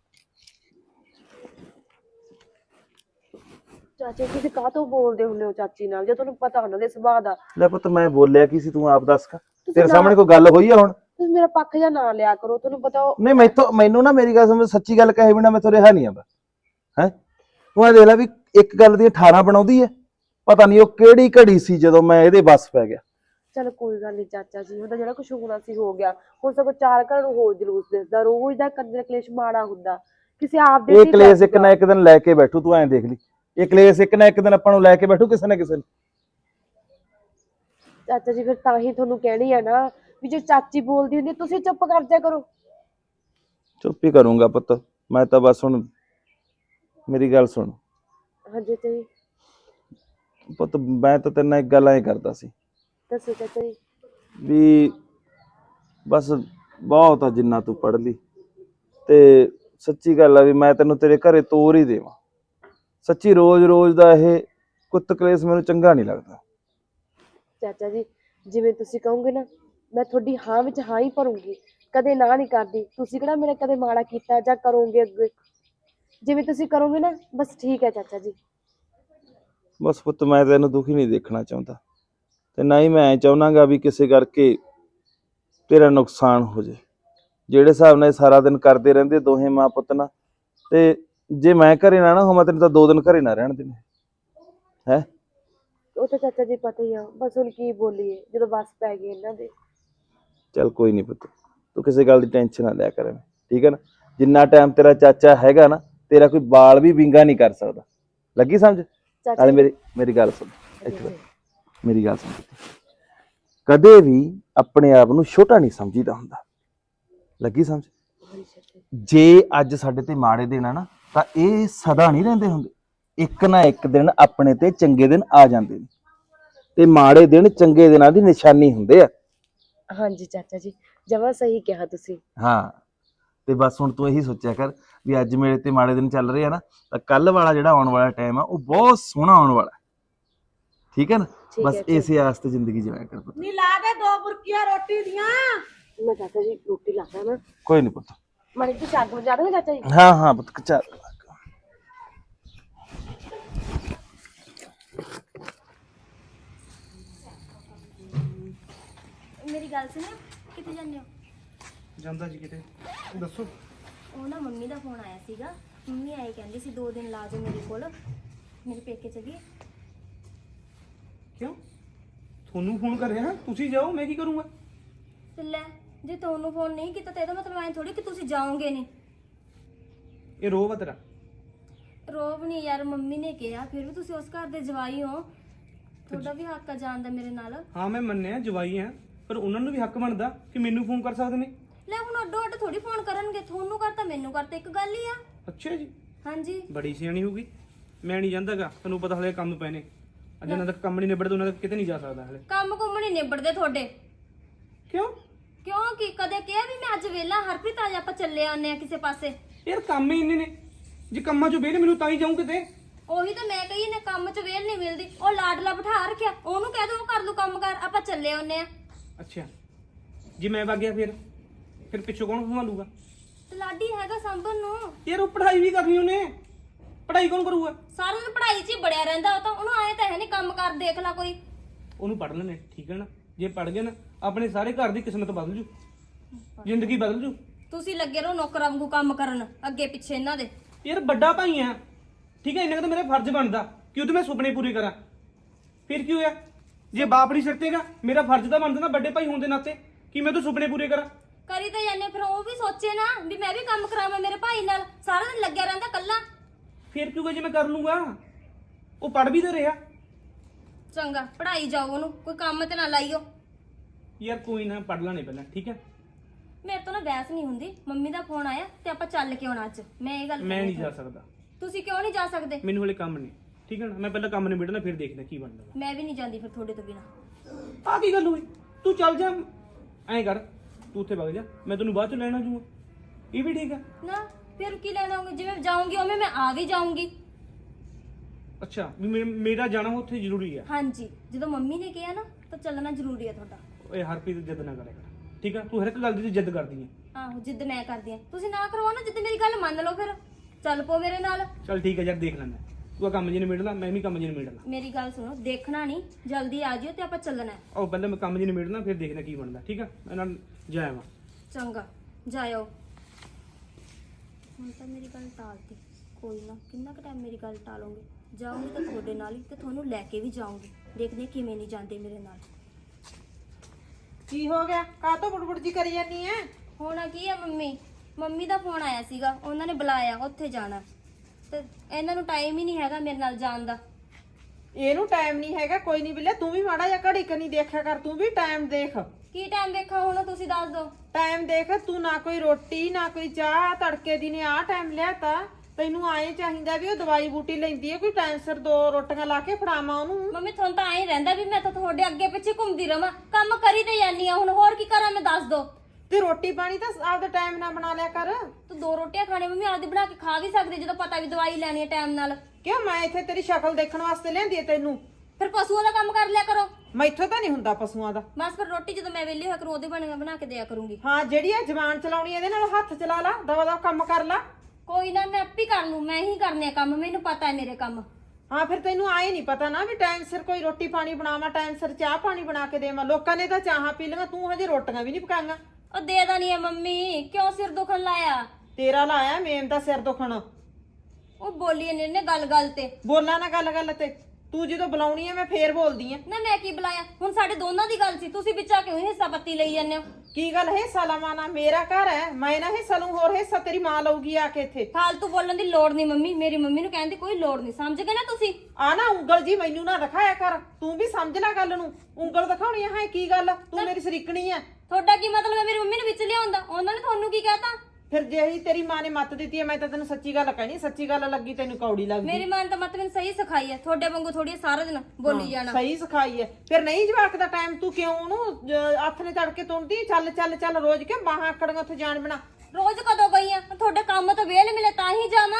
S6: ਚਾਚੀ ਤੁਸੀਂ ਕਾਹ ਤੋਂ ਬੋਲਦੇ ਹੁੰਦੇ ਹੋ ਚਾਚੀ ਨਾਲ, ਜੇ ਤੁਹਾਨੂੰ ਪਤਾ ਉਹਨਾਂ ਦੇ ਸੁਭਾਅ ਦਾ?
S5: ਲੈ ਪੁੱਤ ਮੈਂ ਬੋਲਿਆ ਕੀ ਸੀ, ਤੂੰ ਆਪ ਦੱਸ ਕਾ? ਤੇਰੇ ਸਾਹਮਣੇ ਕੋਈ ਗੱਲ ਹੋਈ ਆ ਹੁਣ?
S6: ਤੁਸੀਂ ਮੇਰਾ ਪੱਖ ਜਾਂ ਨਾ ਲਿਆ ਕਰੋ, ਤੁਹਾਨੂੰ ਪਤਾ ਉਹ
S5: ਨਹੀਂ ਮੈਥੋਂ, ਮੈਨੂੰ ਨਾ ਮੇਰੀ ਗੱਲ ਸਮਝ, ਸੱਚੀ ਗੱਲ ਕਹੇ ਬਿਨਾ ਮੈਥੋਂ ਰਿਹਾ ਨਹੀਂ ਆਂਦਾ ਹੈ। ਤੂੰ ਇਹ ਦੇਖ ਲੈ ਵੀ ਇੱਕ ਗੱਲ ਦੀ ਅਠਾਰਾਂ ਬਣਾਉਂਦੀ ਹੈ, ਪਤਾ ਨਹੀਂ ਉਹ ਕਿਹੜੀ ਘੜੀ ਸੀ ਜਦੋਂ ਮੈਂ ਇਹਦੇ ਵੱਸ ਪੈ ਗਿਆ।
S6: ਚਲ ਕੋਈ ਗੱਲ ਨਹੀਂ ਚਾਚਾ ਜੀ, ਉਹਦਾ ਜਿਹੜਾ ਕੁਝ ਹੋਣਾ ਸੀ ਹੋ ਗਿਆ। ਹੁਣ ਸਗੋਂ ਚਾਰ ਘਰ ਨੂੰ ਹੋਰ ਜਲੂਸ ਦਿਸਦਾ, ਰੋਜ਼ ਦਾ ਕਦੇ ਕਲੇਸ਼ ਮਾੜਾ ਹੁੰਦਾ ਕਿਸੇ ਆਪ ਦੇ।
S5: ਇਹ ਕਲੇਸ਼ ਇੱਕ ਨਾ ਇੱਕ ਦਿਨ ਲੈ ਕੇ ਬੈਠੂ, ਤੂੰ ਐਂ ਦੇਖ ਲਈ, ਇਹ ਕਲੇਸ਼ ਇੱਕ ਨਾ ਇੱਕ ਦਿਨ ਆਪਾਂ ਨੂੰ ਲੈ ਕੇ ਬੈਠੂ ਕਿਸੇ ਨਾ ਕਿਸੇ ਨੂੰ।
S6: ਚਾਚਾ ਜੀ ਫਿਰ ਤਾਂ ਹੀ ਤੁਹਾਨੂੰ ਕਹਿਣੀ ਆ ਨਾ ਵੀ ਜੋ ਚਾਚੀ ਬੋਲਦੀ ਹੁੰਦੀ ਤੁਸੀਂ ਚੁੱਪ ਕਰ ਜਾ ਕਰੋ।
S5: ਚੁੱਪ ਹੀ ਕਰੂੰਗਾ ਪੁੱਤ ਮੈਂ ਤਾਂ, ਬਸ ਹੁਣ ਮੇਰੀ ਗੱਲ ਸੁਣ।
S6: ਹਾਂਜੀ ਚਾਚਾ ਜੀ
S5: ਪੁੱਤ ਮੈਂ ਤਾਂ ਤੇਰੇ ਨਾਲ ਇੱਕ ਗੱਲ ਐਂ ਕਰਦਾ ਸੀ
S6: ਦੱਸੋ ਚਾਚਾ ਜੀ।
S5: ਵੀ ਬਸ ਬਹੁਤ ਆ ਜਿੰਨਾ ਤੂੰ ਪੜ੍ਹ ਲਈ, ਤੇ ਸੱਚੀ ਗੱਲ ਆ ਵੀ ਮੈਂ ਤੈਨੂੰ ਤੇਰੇ ਘਰੇ ਤੋਰ ਹੀ ਦੇਵਾਂ। ਸੱਚੀ ਰੋਜ਼ ਰੋਜ਼ ਦਾ ਇਹ ਕੁੱਤ ਕਲੇਸ਼ ਮੈਨੂੰ ਚੰਗਾ ਨਹੀਂ ਲੱਗਦਾ।
S6: ਚਾਚਾ ਜੀ ਜਿਵੇਂ ਤੁਸੀਂ ਕਹੋਗੇ ਨਾ, ਮੈਂ ਤੁਹਾਡੀ ਹਾਂ ਵਿੱਚ ਹਾਂ ਹੀ ਭਰੂੰਗੀ, ਕਦੇ ਨਾ ਨਹੀਂ ਕਰਦੀ। ਤੁਸੀਂ ਕਿਹੜਾ ਮੇਰਾ ਕਦੇ ਮਾੜਾ ਕੀਤਾ ਜਾਂ ਕਰੋਗੇ ਅੱਗੇ? ਜਿਵੇਂ ਤੁਸੀਂ ਕਰੋਗੇ ਨਾ ਬਸ ਠੀਕ ਹੈ ਚਾਚਾ ਜੀ।
S5: ਬਸ ਪੁੱਤ ਮੈਂ ਤੈਨੂੰ ਦੁਖੀ ਨਹੀਂ ਦੇਖਣਾ ਚਾਹੁੰਦਾ, ਤੇ ਨਾ ਹੀ ਮੈਂ ਚਾਹੁੰਦਾਗਾ ਵੀ ਕਿਸੇ ਕਰਕੇ ਤੇਰਾ ਨੁਕਸਾਨ ਹੋ ਜੇ। ਜਿਹੜੇ ਹਿਸਾਬ ਨਾਲ ਇਹ ਸਾਰਾ ਦਿਨ ਕਰਦੇ ਰਹਿੰਦੇ ਦੋਹੇ ਮਾਂ ਪੁੱਤ ਨਾ, ਤੇ ਜੇ ਮੈਂ ਘਰੇ ਨਾ ਨਾ ਹੋਵਾਂ ਤੈਨੂੰ ਤਾਂ ਦੋ ਦਿਨ ਘਰੇ ਨਾ ਰਹਿਣ ਦੇਣੇ ਹੈ।
S6: ਉਹ ਤਾਂ ਚਾਚਾ ਜੀ ਪਤਾ ਹੀ ਆ, ਬਸ ਹੁਣ ਕੀ ਬੋਲੀਏ ਜਦੋਂ ਬਸ ਪੈ ਗਈ ਇਹਨਾਂ ਦੇ।
S5: ਚੱਲ ਕੋਈ ਨਹੀਂ ਪੁੱਤ, ਤੂੰ ਕਿਸੇ ਗੱਲ ਦੀ ਟੈਨਸ਼ਨ ਨਾ ਲਿਆ ਕਰ, ਠੀਕ ਹੈ ਨਾ? ਜਿੰਨਾ ਟਾਈਮ ਤੇਰਾ ਚਾਚਾ ਹੈਗਾ ਨਾ, ਤੇਰਾ ਕੋਈ ਬਾਲ ਵੀ ਵਿੰਗਾ ਨਹੀਂ ਕਰ ਸਕਦਾ, ਲੱਗੀ ਸਮਝ?
S6: ਚਾਚਾ
S5: ਨਾਲੇ ਮੇਰੀ ਮੇਰੀ ਗੱਲ ਸੁਣ, ਇੱਥੇ ਮੇਰੀ ਗੱਲ ਸੁਣ। ਕਦੇ ਵੀ ਆਪਣੇ ਆਪ ਨੂੰ ਛੋਟਾ ਨਹੀਂ ਸਮਝੀਦਾ ਹੁੰਦਾ, ਲੱਗੀ ਸਮਝ? ਜੇ ਅੱਜ ਸਾਡੇ ਤੇ ਮਾੜੇ ਦਿਨ ਆ ਨਾ, ਤਾਂ ਇਹ ਸਦਾ ਨਹੀਂ ਰਹਿੰਦੇ ਹੁੰਦੇ। ਇੱਕ ਨਾ ਇੱਕ ਦਿਨ ਆਪਣੇ ਤੇ ਚੰਗੇ ਦਿਨ ਆ ਜਾਂਦੇ ਨੇ, ਤੇ ਮਾੜੇ ਦਿਨ ਚੰਗੇ ਦਿਨਾਂ ਦੀ ਨਿਸ਼ਾਨੀ ਹੁੰਦੇ ਆ।
S6: ਹਾਂਜੀ ਚਾਚਾ ਜੀ ਜਮਾਂ ਸਹੀ ਕਿਹਾ ਤੁਸੀਂ।
S5: ਹਾਂ ਤੇ ਬਸ ਹੁਣ ਤੂੰ ਇਹੀ ਸੋਚਿਆ ਕਰ ਵੀ ਅੱਜ ਮੇਰੇ ਤੇ ਮਾੜੇ ਦਿਨ ਚੱਲ ਰਹੇ ਆ ਨਾ, ਤਾਂ ਕੱਲ ਵਾਲਾ ਜਿਹੜਾ ਆਉਣ ਵਾਲਾ ਟਾਈਮ ਆ ਉਹ ਬਹੁਤ ਸੋਹਣਾ ਆਉਣ ਵਾਲਾ। ਠੀਕ ਹੈ ਨਾ
S6: ਠੀਕ
S5: ਬਸ
S6: ਹੈ,
S5: ਇਸੇ ਆਸ ਤੇ ਜ਼ਿੰਦਗੀ ਜਿਵਾਇਆ ਕਰ ਪੁੱਤ।
S2: ਨੀ ਲਾ ਦੇ ਦੋ ਬੁਰਕੀਆਂ ਰੋਟੀ ਦੀਆਂ।
S6: ਮੈਂ ਚਾਚਾ ਜੀ ਰੋਟੀ ਲਾਦਾ ਨਾ
S5: ਕੋਈ ਨਹੀਂ ਪੁੱਤ।
S6: ਮਾੜੀ ਜੀ ਚਾਰ ਵਜਾ ਦੋਗੇ ਚਾਚਾ ਜੀ?
S5: ਹਾਂ ਹਾਂ ਪੁੱਤ ਚੱਲ।
S1: ਮੇਰੀ ਗੱਲ ਸੁਣੋ, ਕਿੱਥੇ ਜਾਂਦੇ ਹੋ?
S7: ਜਾਂਦਾ ਜੀ ਕਿਤੇ ਦੱਸੋ।
S1: ਉਹ ਨਾ ਮੰਮੀ ਦਾ ਫੋਨ ਆਇਆ ਸੀਗਾ। ਮੰਮੀ ਆਏ ਕਹਿੰਦੀ ਸੀ ਦੋ ਦਿਨ ਲਾ ਜਾਓ ਮੇਰੇ ਕੋਲ, ਮੇਰੇ ਪੇਕੇ ਚਲੀ।
S7: ਕਿਉਂ ਤੁਹਾਨੂੰ ਫੋਨ ਕਰਿਆ? ਤੁਸੀਂ ਜਾਓ, ਮੈਂ ਕੀ ਕਰੂੰਗਾ?
S1: ਤੇ ਲੈ, ਜੇ ਤੁਹਾਨੂੰ ਫੋਨ ਨਹੀਂ ਕੀਤਾ ਤਾਂ ਇਹਦਾ ਮਤਲਬ ਐਂ ਥੋੜੀ ਕਿ ਤੁਸੀਂ ਜਾਓਗੇ ਨਹੀਂ।
S7: ਇਹ ਰੋਬ ਆ ਤੇਰਾ?
S1: ਰੋਬ ਨਹੀਂ ਯਾਰ, ਮੰਮੀ ਨੇ ਕਿਹਾ, ਫਿਰ ਵੀ ਤੁਸੀਂ ਉਸ ਘਰ ਦੇ ਜਵਾਈ ਹੋ, ਤੁਹਾਡਾ ਵੀ ਹੱਕ ਆ ਜਾਣ ਦਾ ਮੇਰੇ ਨਾਲ।
S7: ਹਾਂ ਮੈਂ ਮੰਨਿਆ ਜਵਾਈ ਆ, ਪਰ ਉਹਨਾਂ ਨੂੰ ਵੀ ਹੱਕ ਬਣਦਾ ਕਿ ਮੈਨੂੰ ਫੋਨ ਕਰ ਸਕਦੇ ਨੇ।
S1: ਲੈ ਹੁਣ ਅੱਡੋ ਅੱਡ ਥੋੜੀ ਫੋਨ ਕਰਨਗੇ, ਤੁਹਾਨੂੰ ਕਰਤਾ ਮੈਨੂੰ ਕਰਤਾ, ਇੱਕ ਗੱਲ ਹੀ ਆ।
S7: ਅੱਛਾ ਜੀ,
S1: ਹਾਂਜੀ।
S7: ਬੜੀ ਸਿਆਣੀ ਹੋਊਗੀ। ਮੈਂ ਨਹੀਂ ਜਾਂਦਾਗਾ, ਤੁਹਾਨੂੰ ਪਤਾ ਹਲੇ ਕੰਮ ਪਏ ਨੇ। ਅੱਜ ਉਹਨਾਂ ਤੱਕ ਕੰਮ ਨਹੀਂ ਨਿਬੜਦਾ, ਉਹਨਾਂ ਤੱਕ ਕਿਤੇ ਨਹੀਂ ਜਾ ਸਕਦਾ ਹਲੇ।
S1: ਕੰਮ ਕੁੰਮ ਨਹੀਂ ਨਿਬੜਦੇ ਤੁਹਾਡੇ।
S7: ਕਿਉਂ?
S1: ਕਿਉਂ ਕੀ ਕਦੇ ਕਿਹਾ ਵੀ ਮੈਂ ਅੱਜ ਵੇਲਾ ਹਰਪ੍ਰੀਤ ਆ ਜਾ ਆਪਾਂ ਚੱਲੇ ਆਉਂਦੇ ਆ ਕਿਸੇ ਪਾਸੇ?
S7: ਯਾਰ ਕੰਮ ਹੀ ਇੰਨੇ ਨੇ, ਜੇ ਕੰਮਾਂ ਚੋਂ ਵੇਲੇ ਮੈਨੂੰ ਤਾਂ ਹੀ ਜਾਊਂ ਕਿਤੇ।
S1: ਉਹੀ ਤਾਂ ਮੈਂ ਕਹੀ ਨੇ, ਕੰਮ 'ਚ ਵੇਲ ਨਹੀਂ ਮਿਲਦੀ। ਉਹ ਲਾਡਲਾ ਬਿਠਾ ਰੱਖਿਆ, ਉਹਨੂੰ ਕਹਿ ਦੋ ਉਹ ਕਰ ਲੂ ਕੰਮ ਕਰ, ਆਪਾਂ ਚੱਲੇ ਆਉਂਦੇ ਆ।
S7: ਅੱਛਾ, ਜੇ ਮੈਂ ਵਗ ਗਿਆ ਫਿਰ ਫਿਰ ਪਿੱਛੋਂ ਕੌਣ ਸੰਭਾਲੂਗਾ?
S1: ਤੇ ਲਾਡੀ ਹੈਗਾ ਸਾਂਭਣ ਨੂੰ।
S7: ਯਾਰ ਉਹ ਪੜ੍ਹਾਈ ਵੀ ਕਰਨੀ ਉਹਨੇ, ਪੜ੍ਹਾਈ ਕੌਣ ਕਰੂਗਾ?
S1: ਸਾਰਾ ਦਿਨ ਪੜ੍ਹਾਈ 'ਚ ਹੀ ਬੜਿਆ ਰਹਿੰਦਾ ਉਹ ਤਾਂ। ਉਹਨੂੰ ਆਏ ਤਾਂ ਹੈ ਨਹੀਂ ਕੰਮ ਕਰ ਦੇਖ ਲੈ ਕੋਈ।
S7: ਉਹਨੂੰ ਪੜ੍ਹ ਲੈਣੇ, ਠੀਕ ਹੈ ਨਾ? ਜੇ ਪੜ੍ਹ ਗਿਆ ਨਾ, ਆਪਣੇ ਸਾਰੇ ਘਰ ਦੀ ਕਿਸਮਤ ਬਦਲ ਜੂ, ਜ਼ਿੰਦਗੀ ਬਦਲ ਜੂ।
S1: ਤੁਸੀਂ ਲੱਗੇ ਰਹੋ ਨੌਕਰਾਂ ਵਾਂਗੂ ਕੰਮ ਕਰਨ ਅੱਗੇ ਪਿੱਛੇ ਇਹਨਾਂ ਦੇ।
S7: ਯਾਰ ਵੱਡਾ ਭਾਈ ਆ, ਠੀਕ ਹੈ? ਇੰਨਾ ਕੁ ਤਾਂ ਮੇਰਾ ਫਰਜ਼ ਬਣਦਾ ਕਿ ਉਹਦੇ ਮੈਂ ਸੁਪਨੇ ਪੂਰੇ ਕਰਾਂ। ਫਿਰ ਕੀ ਹੋਇਆ ਜੇ ਬਾਪ ਨਹੀਂ ਸਿਰਤੇਗਾ? ਮੇਰਾ ਫਰਜ਼ ਤਾਂ ਬਣਦਾ ਨਾ ਵੱਡੇ ਭਾਈ ਹੋਣ ਦੇ ਨਾਤੇ ਕਿ ਮੈਂ ਤਾਂ ਸੁਪਨੇ ਪੂਰੇ ਕਰਾਂ।
S1: ਕਰੀ ਤਾਂ ਜਾਂਦੇ, ਫਿਰ ਉਹ ਵੀ ਸੋਚੇ ਨਾ ਵੀ ਮੈਂ ਵੀ ਕੰਮ ਕਰਾਵਾਂ ਮੇਰੇ ਭਾਈ ਨਾਲ। ਸਾਰਾ ਦਿਨ ਲੱਗਿਆ ਰਹਿੰਦਾ ਕੱਲਾ।
S7: ਫਿਰ ਕਿਉਂ ਜੇ ਮੈਂ ਕਰ ਲੂੰਗਾ? ਉਹ ਪੜ੍ਹ ਵੀ ਤਾਂ ਰਿਹਾ।
S1: ਚੰਗਾ ਪੜ੍ਹਾਈ ਜਾਓ, ਉਹਨੂੰ ਕੋਈ ਕੰਮ ਤੇ ਨਾ ਲਾਈਓ।
S7: ਯਾਰ ਕੋਈ ਨਾ, ਪੜ੍ਹ ਲਾਣੇ ਪਹਿਲਾਂ, ਠੀਕ ਹੈ?
S1: ਮੇਰੇ ਤੋਂ ਨਾ ਬਹਿਸ ਨਹੀਂ ਹੁੰਦੀ। ਮੰਮੀ ਦਾ ਫੋਨ ਆਇਆ ਤੇ ਆਪਾਂ ਚੱਲ ਕੇ ਆਉਣਾ ਅੱਜ। ਮੈਂ ਇਹ ਗੱਲ
S7: ਮੈਂ
S1: ਕਹਿਣੀ
S7: ਨਹੀਂ ਜਾ ਸਕਦਾ।
S1: ਤੁਸੀਂ ਕਿਉਂ ਨਹੀਂ ਜਾ ਸਕਦੇ?
S7: ਮੈਨੂੰ ਹਲੇ ਕੰਮ ਨਹੀਂ, ਠੀਕ ਹੈ ਨਾ? ਮੈਂ ਪਹਿਲਾਂ ਕੰਮ ਨਿਬੇੜਨਾ, ਫਿਰ ਦੇਖਦਾ ਕੀ ਬਣਦਾ।
S1: ਮੈਂ ਵੀ ਨਹੀਂ ਜਾਂਦੀ ਫਿਰ ਤੁਹਾਡੇ ਤੋਂ ਬਿਨਾ।
S7: ਆਹ ਕੀ ਗੱਲ ਹੋਈ? ਤੂੰ ਚੱਲ ਜਾ, ਐਂ ਕਰ, ਤੂੰ ਉੱਥੇ ਵਗ ਜਾ, ਮੈਂ ਤੈਨੂੰ ਬਾਅਦ ਚ ਲੈਣਾ ਜੂਗਾ। ਇਹ ਵੀ ਠੀਕ ਹੈ
S1: ਨਾ ਫਿਰ ਕੀ ਲੈਣਾ ਹੋਊਗਾ? ਜਿਵੇਂ ਜਾਊਂਗੀ ਉਵੇਂ ਮੈਂ ਆ ਵੀ ਜਾਊਂਗੀ।
S7: ਅੱਛਾ, ਵੀ ਮੇ- ਮੇਰਾ ਜਾਣਾ ਉੱਥੇ ਜ਼ਰੂਰੀ ਹੈ।
S1: ਹਾਂਜੀ, ਜਦੋਂ ਮੰਮੀ ਨੇ ਕਿਹਾ ਨਾ ਤਾਂ ਚੱਲਣਾ ਜ਼ਰੂਰੀ ਹੈ ਤੁਹਾਡਾ।
S7: ਓਏ ਹਰਪ੍ਰੀਤ ਜਿੱਦ ਨਾ ਕਰਿਆ ਕਰ, ਠੀਕ ਹੈ? ਤੂੰ ਹਰ ਇੱਕ ਗੱਲ ਦੀ ਜਿੱਦ ਕਰਦੀ ਹੈ।
S1: ਆਹੋ ਜਿੱਦ ਮੈਂ ਕਰਦੀ ਆ, ਤੁਸੀਂ ਨਾ ਕਰਵਾਓ ਨਾ ਜਿੱਦ। ਮੇਰੀ ਗੱਲ ਮੰਨ ਲਓ, ਫਿਰ ਚੱਲ ਪੋ ਮੇਰੇ ਨਾਲ।
S7: ਚੱਲ ਠੀਕ ਹੈ ਯਾਰ, ਦੇਖ ਲੈਂਦਾ। ਤੂੰ ਆ ਕੰਮ ਜੀ ਨਿਬੇੜਨਾ, ਮੈਂ ਵੀ ਕੰਮ ਜੀ ਨਿਬੇੜਨਾ।
S1: ਮੇਰੀ ਗੱਲ ਸੁਣੋ, ਦੇਖਣਾ ਨਹੀਂ, ਜਲਦੀ ਆ ਜਿਓ ਤੇ ਆਪਾਂ ਚੱਲਣਾ ਹੈ।
S7: ਉਹ ਪਹਿਲਾਂ ਮੈਂ ਕੰਮ ਜੀ ਨਿਬੇੜਨਾ, ਫਿਰ ਦੇਖਣਾ ਕੀ ਬਣਦਾ, ਠੀਕ ਹੈ? ਮੈਂ ਨਾਲ ਜਾਇਆ ਵਾ।
S1: ਚੰਗਾ ਜਾਇਓ। ਹੁਣ ਤਾਂ ਮੇਰੀ ਗੱਲ ਟਾਲਤੀ। ਕੋਈ ਨਾ, ਕਿੰਨਾ ਕੁ ਟਾਈਮ ਮੇਰੀ ਗੱਲ ਟਾਲੋਗੇ? ਜਾਊਂਗੀ ਤਾਂ ਤੁਹਾਡੇ ਨਾਲ ਹੀ, ਤੇ ਤੁਹਾਨੂੰ ਲੈ ਕੇ ਵੀ ਜਾਊਂਗੀ। ਦੇਖਦੇ ਕਿਵੇਂ ਨਹੀਂ ਜਾਂਦੇ ਮੇਰੇ ਨਾਲ।
S2: ਕੀ ਹੋ ਗਿਆ? ਕਾਹ ਤੋਂ ਬੁੜਬੁੜ ਜੀ ਕਰੀ ਜਾਨੀ ਐ?
S1: ਹੋਣਾ ਕੀ ਆ ਮੰਮੀ, ਮੰਮੀ ਦਾ ਫੋਨ ਆਇਆ ਸੀਗਾ, ਉਹਨਾਂ ਨੇ ਬੁਲਾਇਆ ਉੱਥੇ ਜਾਣਾ, ਤੇ ਇਹਨਾਂ ਨੂੰ ਟਾਈਮ ਹੀ ਨਹੀਂ ਹੈਗਾ ਮੇਰੇ ਨਾਲ ਜਾਣ ਦਾ।
S2: ਇਹਨੂੰ ਟਾਈਮ ਨਹੀਂ ਹੈਗਾ? ਕੋਈ ਨਹੀਂ ਬਿੱਲੇ, ਤੂੰ ਵੀ ਮਾੜਾ ਜਿਹਾ ਘੜੀ ਕਨੀ ਦੇਖਿਆ ਕਰ। ਤੂੰ ਵੀ ਟਾਈਮ ਦੇਖ,
S1: ਕੀ ਟਾਈਮ ਦੇਖਾਂ ਹੁਣ? ਤੁਸੀਂ ਦੱਸ ਦਿਓ।
S2: ਟਾਈਮ ਦੇਖ। ਤੂੰ ਨਾ ਕੋਈ ਰੋਟੀ ਨਾ ਕੋਈ ਚਾਹ, ਤੜਕੇ ਦੀ ਨੇ ਆਹ ਟਾਈਮ ਲਿਆ ਤਾ। ਤੈਨੂੰ ਆਏ ਚਾਹੀਦਾ ਵੀ ਉਹ ਦਵਾਈ ਬੂਟੀ ਲੈਂਦੀ ਹੈ, ਕੋਈ ਟਾਈਮ ਸਿਰ ਦੋ ਰੋਟੀਆਂ ਲਾ ਕੇ ਫੜਾਵਾਂ ਉਹਨੂੰ।
S1: ਮੰਮੀ ਤੁਹਾਨੂੰ ਤਾਂ ਐਂ ਰਹਿੰਦਾ ਵੀ ਮੈਂ ਤਾਂ ਤੁਹਾਡੇ ਅੱਗੇ ਪਿੱਛੇ ਘੁੰਮਦੀ ਰਵਾਂ, ਕੰਮ ਕਰੀ ਤੇ ਜਾਨੀ ਆ। ਹੁਣ ਹੋਰ ਕੀ ਕਰਾਂ ਮੈਂ, ਦੱਸ ਦੋ।
S2: ਤੇ ਰੋਟੀ ਪਾਣੀ ਤਾਂ ਆਪਦਾ ਟਾਈਮ ਨਾਲ ਬਣਾ ਲਿਆ ਕਰ।
S1: ਤੂੰ ਦੋ ਰੋਟੀਆਂ ਖਾਣੇ ਮੰਮੀ ਆਪਦੀ ਬਣਾ ਕੇ ਖਾ ਵੀ ਸਕਦੀ, ਜਦੋਂ ਪਤਾ ਵੀ ਦਵਾਈ ਲੈਣੀ ਹੈ ਟਾਈਮ ਨਾਲ।
S2: ਕਿਉਂ ਮੈਂ ਇੱਥੇ ਤੇਰੀ ਸ਼ਕਲ ਦੇਖਣ ਵਾਸਤੇ ਲਿਆਂਦੀ ਹੈ ਤੈਨੂੰ?
S1: ਫਿਰ ਪਸ਼ੂਆਂ ਦਾ ਕੰਮ ਕਰ ਲਿਆ ਕਰੋ।
S2: ਮੈਥੋਂ ਤਾਂ ਨਹੀਂ ਹੁੰਦਾ ਪਸ਼ੂਆਂ ਦਾ।
S1: ਬਸ ਫਿਰ ਰੋਟੀ ਜਦੋਂ ਮੈਂ ਵਿਹਲੀ ਹੋਇਆ ਕਰੂੰ ਉਹਦੇ ਬਣੇ ਬਣਾ ਕੇ ਦਿਆ ਕਰੂੰਗੀ।
S2: ਹਾਂ, ਜਿਹੜੀ ਇਹ ਜ਼ਬਾਨ ਚਲਾਉਣੀ ਇਹਦੇ ਨਾਲ ਹੱਥ ਚਲਾ ਲਾ, ਦਵਾ ਦਵਾ ਕੰਮ ਕਰ ਲਾ।
S1: ਕੋਈ ਨਾ, ਮੈਂ ਆਪੇ ਕਰ ਲੂੰ, ਮੈਂ ਹੀ ਕਰਨੇ ਆ ਕੰਮ, ਮੈਨੂੰ ਪਤਾ ਹੈ ਮੇਰੇ ਕੰਮ।
S2: ਹਾਂ, ਫਿਰ ਤੈਨੂੰ ਆਏ ਨਹੀਂ ਪਤਾ ਨਾ ਵੀ ਟਾਈਮ ਸਿਰ ਕੋਈ ਰੋਟੀ ਪਾਣੀ ਬਣਾਵਾਂ, ਟਾਈਮ ਸਿਰ ਚਾਹ ਪਾਣੀ ਬਣਾ ਕੇ ਦੇਵਾਂ। ਲੋਕਾਂ ਨੇ ਤਾਂ ਚਾਹਾਂ ਪੀ ਲਈਆਂ, ਤੂੰ ਹਜੇ ਰੋਟੀਆਂ ਵੀ ਨਹੀਂ ਪਕਾਈਆਂ।
S1: ਉਹ ਦੇ ਦਾ ਨਹੀਂ ਹੈ ਮੰਮੀ, ਕਿਉਂ ਸਿਰ ਦੁਖਣ ਲਾਇਆ?
S2: ਤੇਰਾ ਲਾਇਆ ਮੇਮ ਦਾ ਸਿਰ ਦੁਖਣ।
S1: ਉਹ ਬੋਲੀ ਨੇ ਨੇ ਗੱਲ ਗੱਲ ਤੇ।
S2: ਬੋਲਾਂ ਨਾ ਗੱਲ ਗੱਲ ਤੇ, ਤੂੰ ਜਦੋਂ ਬੁਲਾਉਣੀ ਹੈ ਮੈਂ ਫੇਰ ਬੋਲਦੀ ਆ
S1: ਨਾ। ਮੈਂ ਕੀ ਬੁਲਾਇਆ? ਹੁਣ ਸਾਡੇ ਦੋਨਾਂ ਦੀ ਗੱਲ ਸੀ, ਤੁਸੀਂ ਵਿੱਚ ਆ ਕੇ ਉਹੀ ਹਿੱਸਾ ਪੱਤੀ ਲਈ ਜਾਂਦੇ ਹੋ।
S2: ਕੀ ਗੱਲ ਹਿੱਸਾ ਲਵਾਂ ਨਾ? ਮੇਰਾ ਘਰ ਹੈ, ਮੈਂ ਨਾ ਹਿੱਸਾ ਲਊਂ, ਹੋਰ ਹਿੱਸਾ ਤੇਰੀ ਮਾਂ ਲਊਗੀ ਆ ਕੇ ਇੱਥੇ।
S1: ਫਾਲਤੂ ਬੋਲਣ ਦੀ ਲੋੜ ਨਹੀਂ ਮੰਮੀ, ਮੇਰੀ ਮੰਮੀ ਨੂੰ ਕਹਿਣ ਦੀ ਕੋਈ ਲੋੜ ਨਹੀਂ, ਸਮਝ ਗਏ ਨਾ ਤੁਸੀਂ?
S2: ਆ ਨਾ ਉਂਗਲ ਜੀ ਮੈਨੂੰ ਨਾ ਦਿਖਾਇਆ ਕਰ, ਤੂੰ ਵੀ ਸਮਝ ਲੈ ਗੱਲ ਨੂੰ। ਉਂਗਲ ਦਿਖਾਉਣੀ ਹੈ ਕੀ ਗੱਲ? ਤੂੰ ਮੇਰੀ ਸਰੀਕਣੀ ਹੈ।
S1: ਤੁਹਾਡਾ ਕੀ ਮਤਲਬ ਹੈ ਮੇਰੀ ਮੰਮੀ ਨੂੰ ਵਿੱਚ ਲਿਆਉਂਦਾ? ਉਹਨਾਂ ਨੇ ਤੁਹਾਨੂੰ ਕੀ ਕਹਿਤਾ?
S2: ਫਿਰ ਜਿਹੜੀ ਤੇਰੀ ਮਾਂ ਨੇ ਮੱਤ ਦਿੱਤੀ ਹੈ, ਮੈਂ ਤਾਂ ਤੈਨੂੰ ਸੱਚੀ ਗੱਲ ਕਹਿਣੀ, ਸੱਚੀ ਗੱਲ ਲੱਗੀ ਤੈਨੂੰ ਕੌੜੀ ਲੱਗਦੀ।
S1: ਮੇਰੀ ਮਾਂ ਨੇ ਤਾਂ ਮਤ ਮੈਨੂੰ ਸਹੀ ਸਿਖਾਈ ਹੈ, ਤੁਹਾਡੇ ਵਾਂਗੂ ਥੋੜੀ ਸਾਰਾ ਦਿਨ ਬੋਲੀ ਜਾਣਾ।
S2: ਸਹੀ ਸਿਖਾਈ ਹੈ। ਫਿਰ ਨਹੀਂ ਜਵਾਕ ਦਾ ਟਾਈਮ, ਤੂੰ ਕਿਉਂ ਉਹਨੂੰ ਜ- ਹੱਥ ਨੇ ਤੜਕੇ ਤੁੰਦੀ? ਚੱਲ ਚੱਲ ਚੱਲ ਰੋਜ਼ ਕੇ ਬਾਹਾਂ ਆਕੜੀਆਂ ਉੱਥੇ ਜਾਣ ਬਣਾ।
S1: ਰੋਜ਼ ਕਦੋਂ ਗਈ ਆ? ਤੁਹਾਡੇ ਕੰਮ ਤੋਂ ਵੇਲ ਮਿਲੇ ਤਾਂ ਹੀ ਜਾਵਾਂ।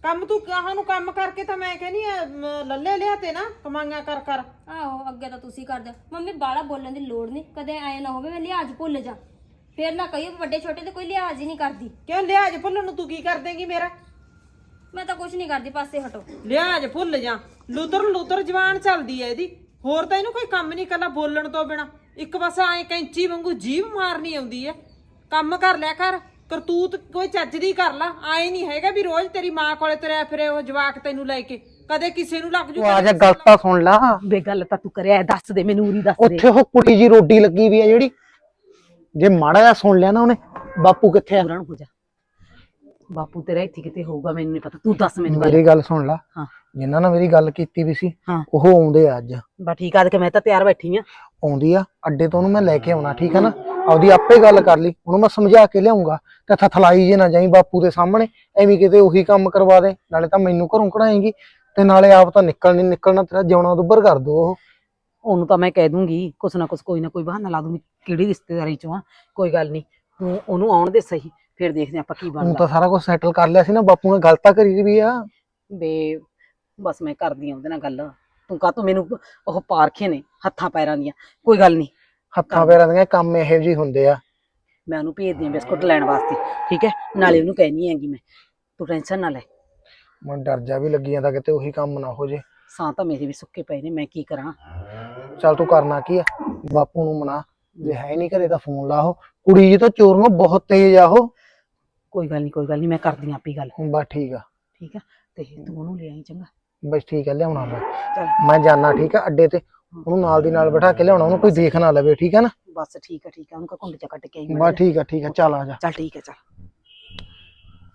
S2: ਕੰਮ ਤੂੰ ਕਹਾਂ ਨੂੰ ਕੰਮ ਕਰਕੇ ਤਾਂ ਮੈਂ ਕਹਿੰਦੀ ਆ ਮ, ਲੱਲੇ ਲਿਆ ਤੇ ਨਾ ਕਮਾਈਆਂ ਕਰ ਕਰ।
S1: ਆਹੋ ਅੱਗੇ ਤਾਂ ਤੁਸੀਂ ਕਰਦੇ ਹੋ। ਮੰਮੀ ਬਾਹਲਾ ਬੋਲਣ ਦੀ ਲੋੜ ਨਹੀਂ, ਕਦੇ ਐ ਨਾ ਹੋਵੇ ਮੈਂ ਲਿਹਾਜ਼ ਭੁੱਲ ਜਾ, ਫੇਰ ਨਾ ਕਹੀਓ ਵੱਡੇ ਛੋਟੇ ਤੇ ਕੋਈ ਲਿਹਾਜ਼ ਹੀ ਨਹੀਂ ਕਰਦੀ।
S2: ਕਿਉਂ ਲਿਹਾਜ਼ ਭੁੱਲਣ ਨੂੰ ਤੂੰ ਕੀ ਕਰ ਦੇਂਗੀ ਮੇਰਾ?
S1: ਮੈਂ ਤਾਂ ਕੁਝ ਨਹੀਂ ਕਰਦੀ, ਪਾਸੇ ਹਟੋ।
S2: ਲਿਹਾਜ਼ ਭੁੱਲ ਜਾ, ਲੂਤਰ ਲੂਤਰ ਜਵਾਨ ਚੱਲਦੀ ਐ ਇਹਦੀ, ਹੋਰ ਤਾਂ ਇਹਨੂੰ ਕੋਈ ਕੰਮ ਨਹੀਂ ਕਰਨਾ ਬੋਲਣ ਤੋਂ ਬਿਨਾ। ਇੱਕ ਬਸ ਐ ਕੈਂਚੀ ਵਾਂਗੂ ਜੀਭ ਮਾਰਨੀ ਆਉਂਦੀ ਐ। ਕੰਮ ਕਰ ਲਿਆ ਕਰ, ਕਰਤੂਤ ਕੋਈ ਚੱਜ ਦੀ ਕਰ ਲਾ। ਆਏ ਨਹੀਂ ਹੈਗਾ ਵੀ ਰੋਜ਼ ਤੇਰੀ ਮਾਂ ਕੋਲੇ ਤੁਰਿਆ ਫਿਰੇ ਉਹ ਜਵਾਕ ਤੈਨੂੰ ਲੈ ਕੇ, ਕਦੇ ਕਿਸੇ ਨੂੰ ਲੱਗ ਜੂ
S3: ਉਹ ਆ ਜਾ ਗੱਲ ਤਾਂ ਸੁਣ ਲਾ।
S4: ਬੇ ਗੱਲ ਤਾਂ ਤੂੰ ਕਰਿਆ ਹੈ, ਦੱਸ ਦੇ ਮੈਨੂੰ, ਉਰੀ ਦੱਸ ਦੇ।
S3: ਉੱਥੇ ਉਹ ਕੁੜੀ ਜੀ ਰੋਟੀ ਲੱਗੀ ਵੀ ਆ ਜਿਹੜੀ, ਜੇ ਮਾੜਾ ਜਿਹਾ ਸੁਣ ਲਿਆ ਨਾ ਉਹਨੇ, ਬਾਪੂ ਕਿੱਥੇ ਆ?
S4: ਪੂਰਨ ਹੋ ਜਾ, ਬਾਪੂ ਤੇਰਾ ਇੱਥੇ ਕਿਤੇ ਹੋਊਗਾ, ਮੈਨੂੰ ਨਹੀਂ ਪਤਾ, ਤੂੰ ਦੱਸ ਮੈਨੂੰ ਗੱਲ।
S3: ਮੇਰੀ ਗੱਲ ਸੁਣ ਲਾ,
S4: ਹਾਂ
S3: ਜਿਨ੍ਹਾਂ ਨਾਲ ਮੇਰੀ ਗੱਲ ਕੀਤੀ ਵੀ ਸੀ
S4: ਹਾਂ।
S3: ਉਹ ਆਉਂਦੇ ਆ ਅੱਜ।
S4: ਬਾ ਠੀਕ ਆ, ਕਿ ਮੈਂ ਤਾਂ ਤਿਆਰ ਬੈਠੀ ਆ।
S3: ਆਉਂਦੀ ਆ ਅੱਡੇ ਤੋਂ, ਉਹਨੂੰ ਮੈਂ ਲੈ ਕੇ ਆਉਣਾ, ਠੀਕ ਆ ਨਾ? ਆਪਦੀ ਆਪੇ ਗੱਲ ਕਰ ਲਈ, ਉਹਨੂੰ ਮੈਂ ਸਮਝਾ ਕੇ ਲਿਆਉਂਗਾ ਤੇ ਥਥਲਾਈ ਜੇ ਨਾ ਜਾਈ ਬਾਪੂ ਦੇ ਸਾਹਮਣੇ, ਐਵੇਂ ਕਿਤੇ ਉਹੀ ਕੰਮ ਕਰਵਾ ਦੇ। ਨਾਲੇ ਤਾਂ ਮੈਨੂੰ ਘਰੋਂ ਕਢਾਏਂਗੀ ਤੇ ਨਾਲੇ ਆਪ ਤਾਂ ਨਿਕਲ ਨਹੀਂ ਨਿਕਲਣਾ, ਤੇਰਾ ਜਿਉਣਾ ਦੁੱਬਰ ਕਰ ਦੋ ਉਹ।
S4: ਉਹਨੂੰ ਤਾਂ ਮੈਂ ਕਹਿ ਦੂੰਗੀ ਕੁਛ ਨਾ ਕੁਛ, ਕੋਈ ਨਾ ਕੋਈ ਬਹਾਨਾ ਲਾ ਦੂੰਗੀ, ਕਿਹੜੀ ਰਿਸ਼ਤੇਦਾਰੀ ਚੋਂ ਆ, ਕੋਈ ਗੱਲ ਨਹੀਂ, ਤੂੰ ਉਹਨੂੰ ਆਉਣ ਦੇ ਸਹੀ, ਫਿਰ ਦੇਖਦੇ ਆਪਾਂ ਕੀ
S3: ਹੁਣ
S4: ਬਣਦਾ।
S3: ਤਾਂ ਸਾਰਾ ਕੁਝ ਸੈਟਲ ਕਰ ਲਿਆ ਸੀ ਨਾ, ਬਾਪੂ ਨੇ ਗੱਲ ਤਾਂ ਕਰੀ ਵੀ ਆ।
S4: ਬੇ ਬਸ ਮੈਂ ਕਰਦੀ ਆ ਉਹਦੇ ਨਾਲ ਗੱਲ, ਤੂੰ ਕਾਹ ਤੂੰ ਮੈਨੂੰ ਉਹ ਪਾਰਖੇ ਨੇ ਹੱਥਾਂ ਪੈਰਾਂ ਦੀਆਂ, ਕੋਈ ਗੱਲ ਨਹੀਂ,
S3: ਹੱਥਾਂ ਪੈਰਾਂ ਦੀਆਂ ਕੰਮ ਇਹੋ ਜਿਹੇ ਹੁੰਦੇ ਆ।
S4: ਮੈਂ ਉਹਨੂੰ ਭੇਜਦੀ ਆ ਬਿਸਕੁਟ ਲੈਣ ਵਾਸਤੇ, ਠੀਕ ਹੈ? ਨਾਲੇ ਉਹਨੂੰ ਕਹਿਣੀ ਹੈਗੀ ਮੈਂ, ਤੂੰ ਟੈਨਸ਼ਨ ਨਾ ਲੈ।
S3: ਮੈਨੂੰ ਡਰ ਜਾ ਵੀ ਲੱਗੀ ਜਾਂਦਾ ਕਿਤੇ ਉਹੀ ਕੰਮ ਨਾ ਹੋ ਜੇ।
S4: ਸਾਂ ਤਾਂ ਮੇਰੇ ਵੀ ਸੁੱਕੇ ਪਏ ਨੇ, ਮੈਂ ਕੀ ਕਰਾਂ?
S3: ਚੱਲ ਤੂੰ ਕਰਨਾ ਕੀ ਆ, ਬਾਪੂ ਨੂੰ ਮਨਾ, ਜੇ ਹੈ ਨਹੀਂ ਘਰੇ ਤਾਂ ਫੋਨ ਲਾ। ਉਹ ਕੁੜੀ ਜੀ ਤਾਂ ਚੋਰ ਨੂੰ ਬਹੁਤ ਤੇਜ਼ ਆ ਉਹ।
S4: ਕੋਈ ਗੱਲ ਨਹੀਂ, ਕੋਈ ਗੱਲ ਨਹੀਂ, ਮੈਂ ਕਰਦੀ ਆਂ ਆਪੀ ਗੱਲ,
S3: ਬਸ ਠੀਕ ਆ,
S4: ਠੀਕ ਆ? ਤੇ ਤੂੰ ਉਹਨੂੰ ਲੈ ਆਈ, ਚੰਗਾ?
S3: ਬਸ ਠੀਕ ਆ, ਲਿਆਉਣਾ ਮੈਂ।
S4: ਚੱਲ
S3: ਮੈਂ ਜਾਣਾ, ਠੀਕ ਆ, ਅੱਡੇ ਤੇ ਉਹਨੂੰ ਨਾਲ ਦੀ ਨਾਲ ਬਿਠਾ ਕੇ ਲਿਆਉਣਾ, ਉਹਨੂੰ ਕੋਈ ਦੇਖ ਨਾ ਲਵੇ, ਠੀਕ ਆ ਨਾ?
S4: ਬਸ ਠੀਕ ਆ, ਠੀਕ ਆ, ਉਹਨੂੰ ਕਾ ਕੁੰਡ ਚ ਕੱਟ ਕੇ ਆਈ
S3: ਬਸ ਠੀਕ ਆ, ਠੀਕ ਆ, ਚੱਲ ਆ ਜਾ।
S4: ਚੱਲ ਠੀਕ ਹੈ, ਚੱਲ।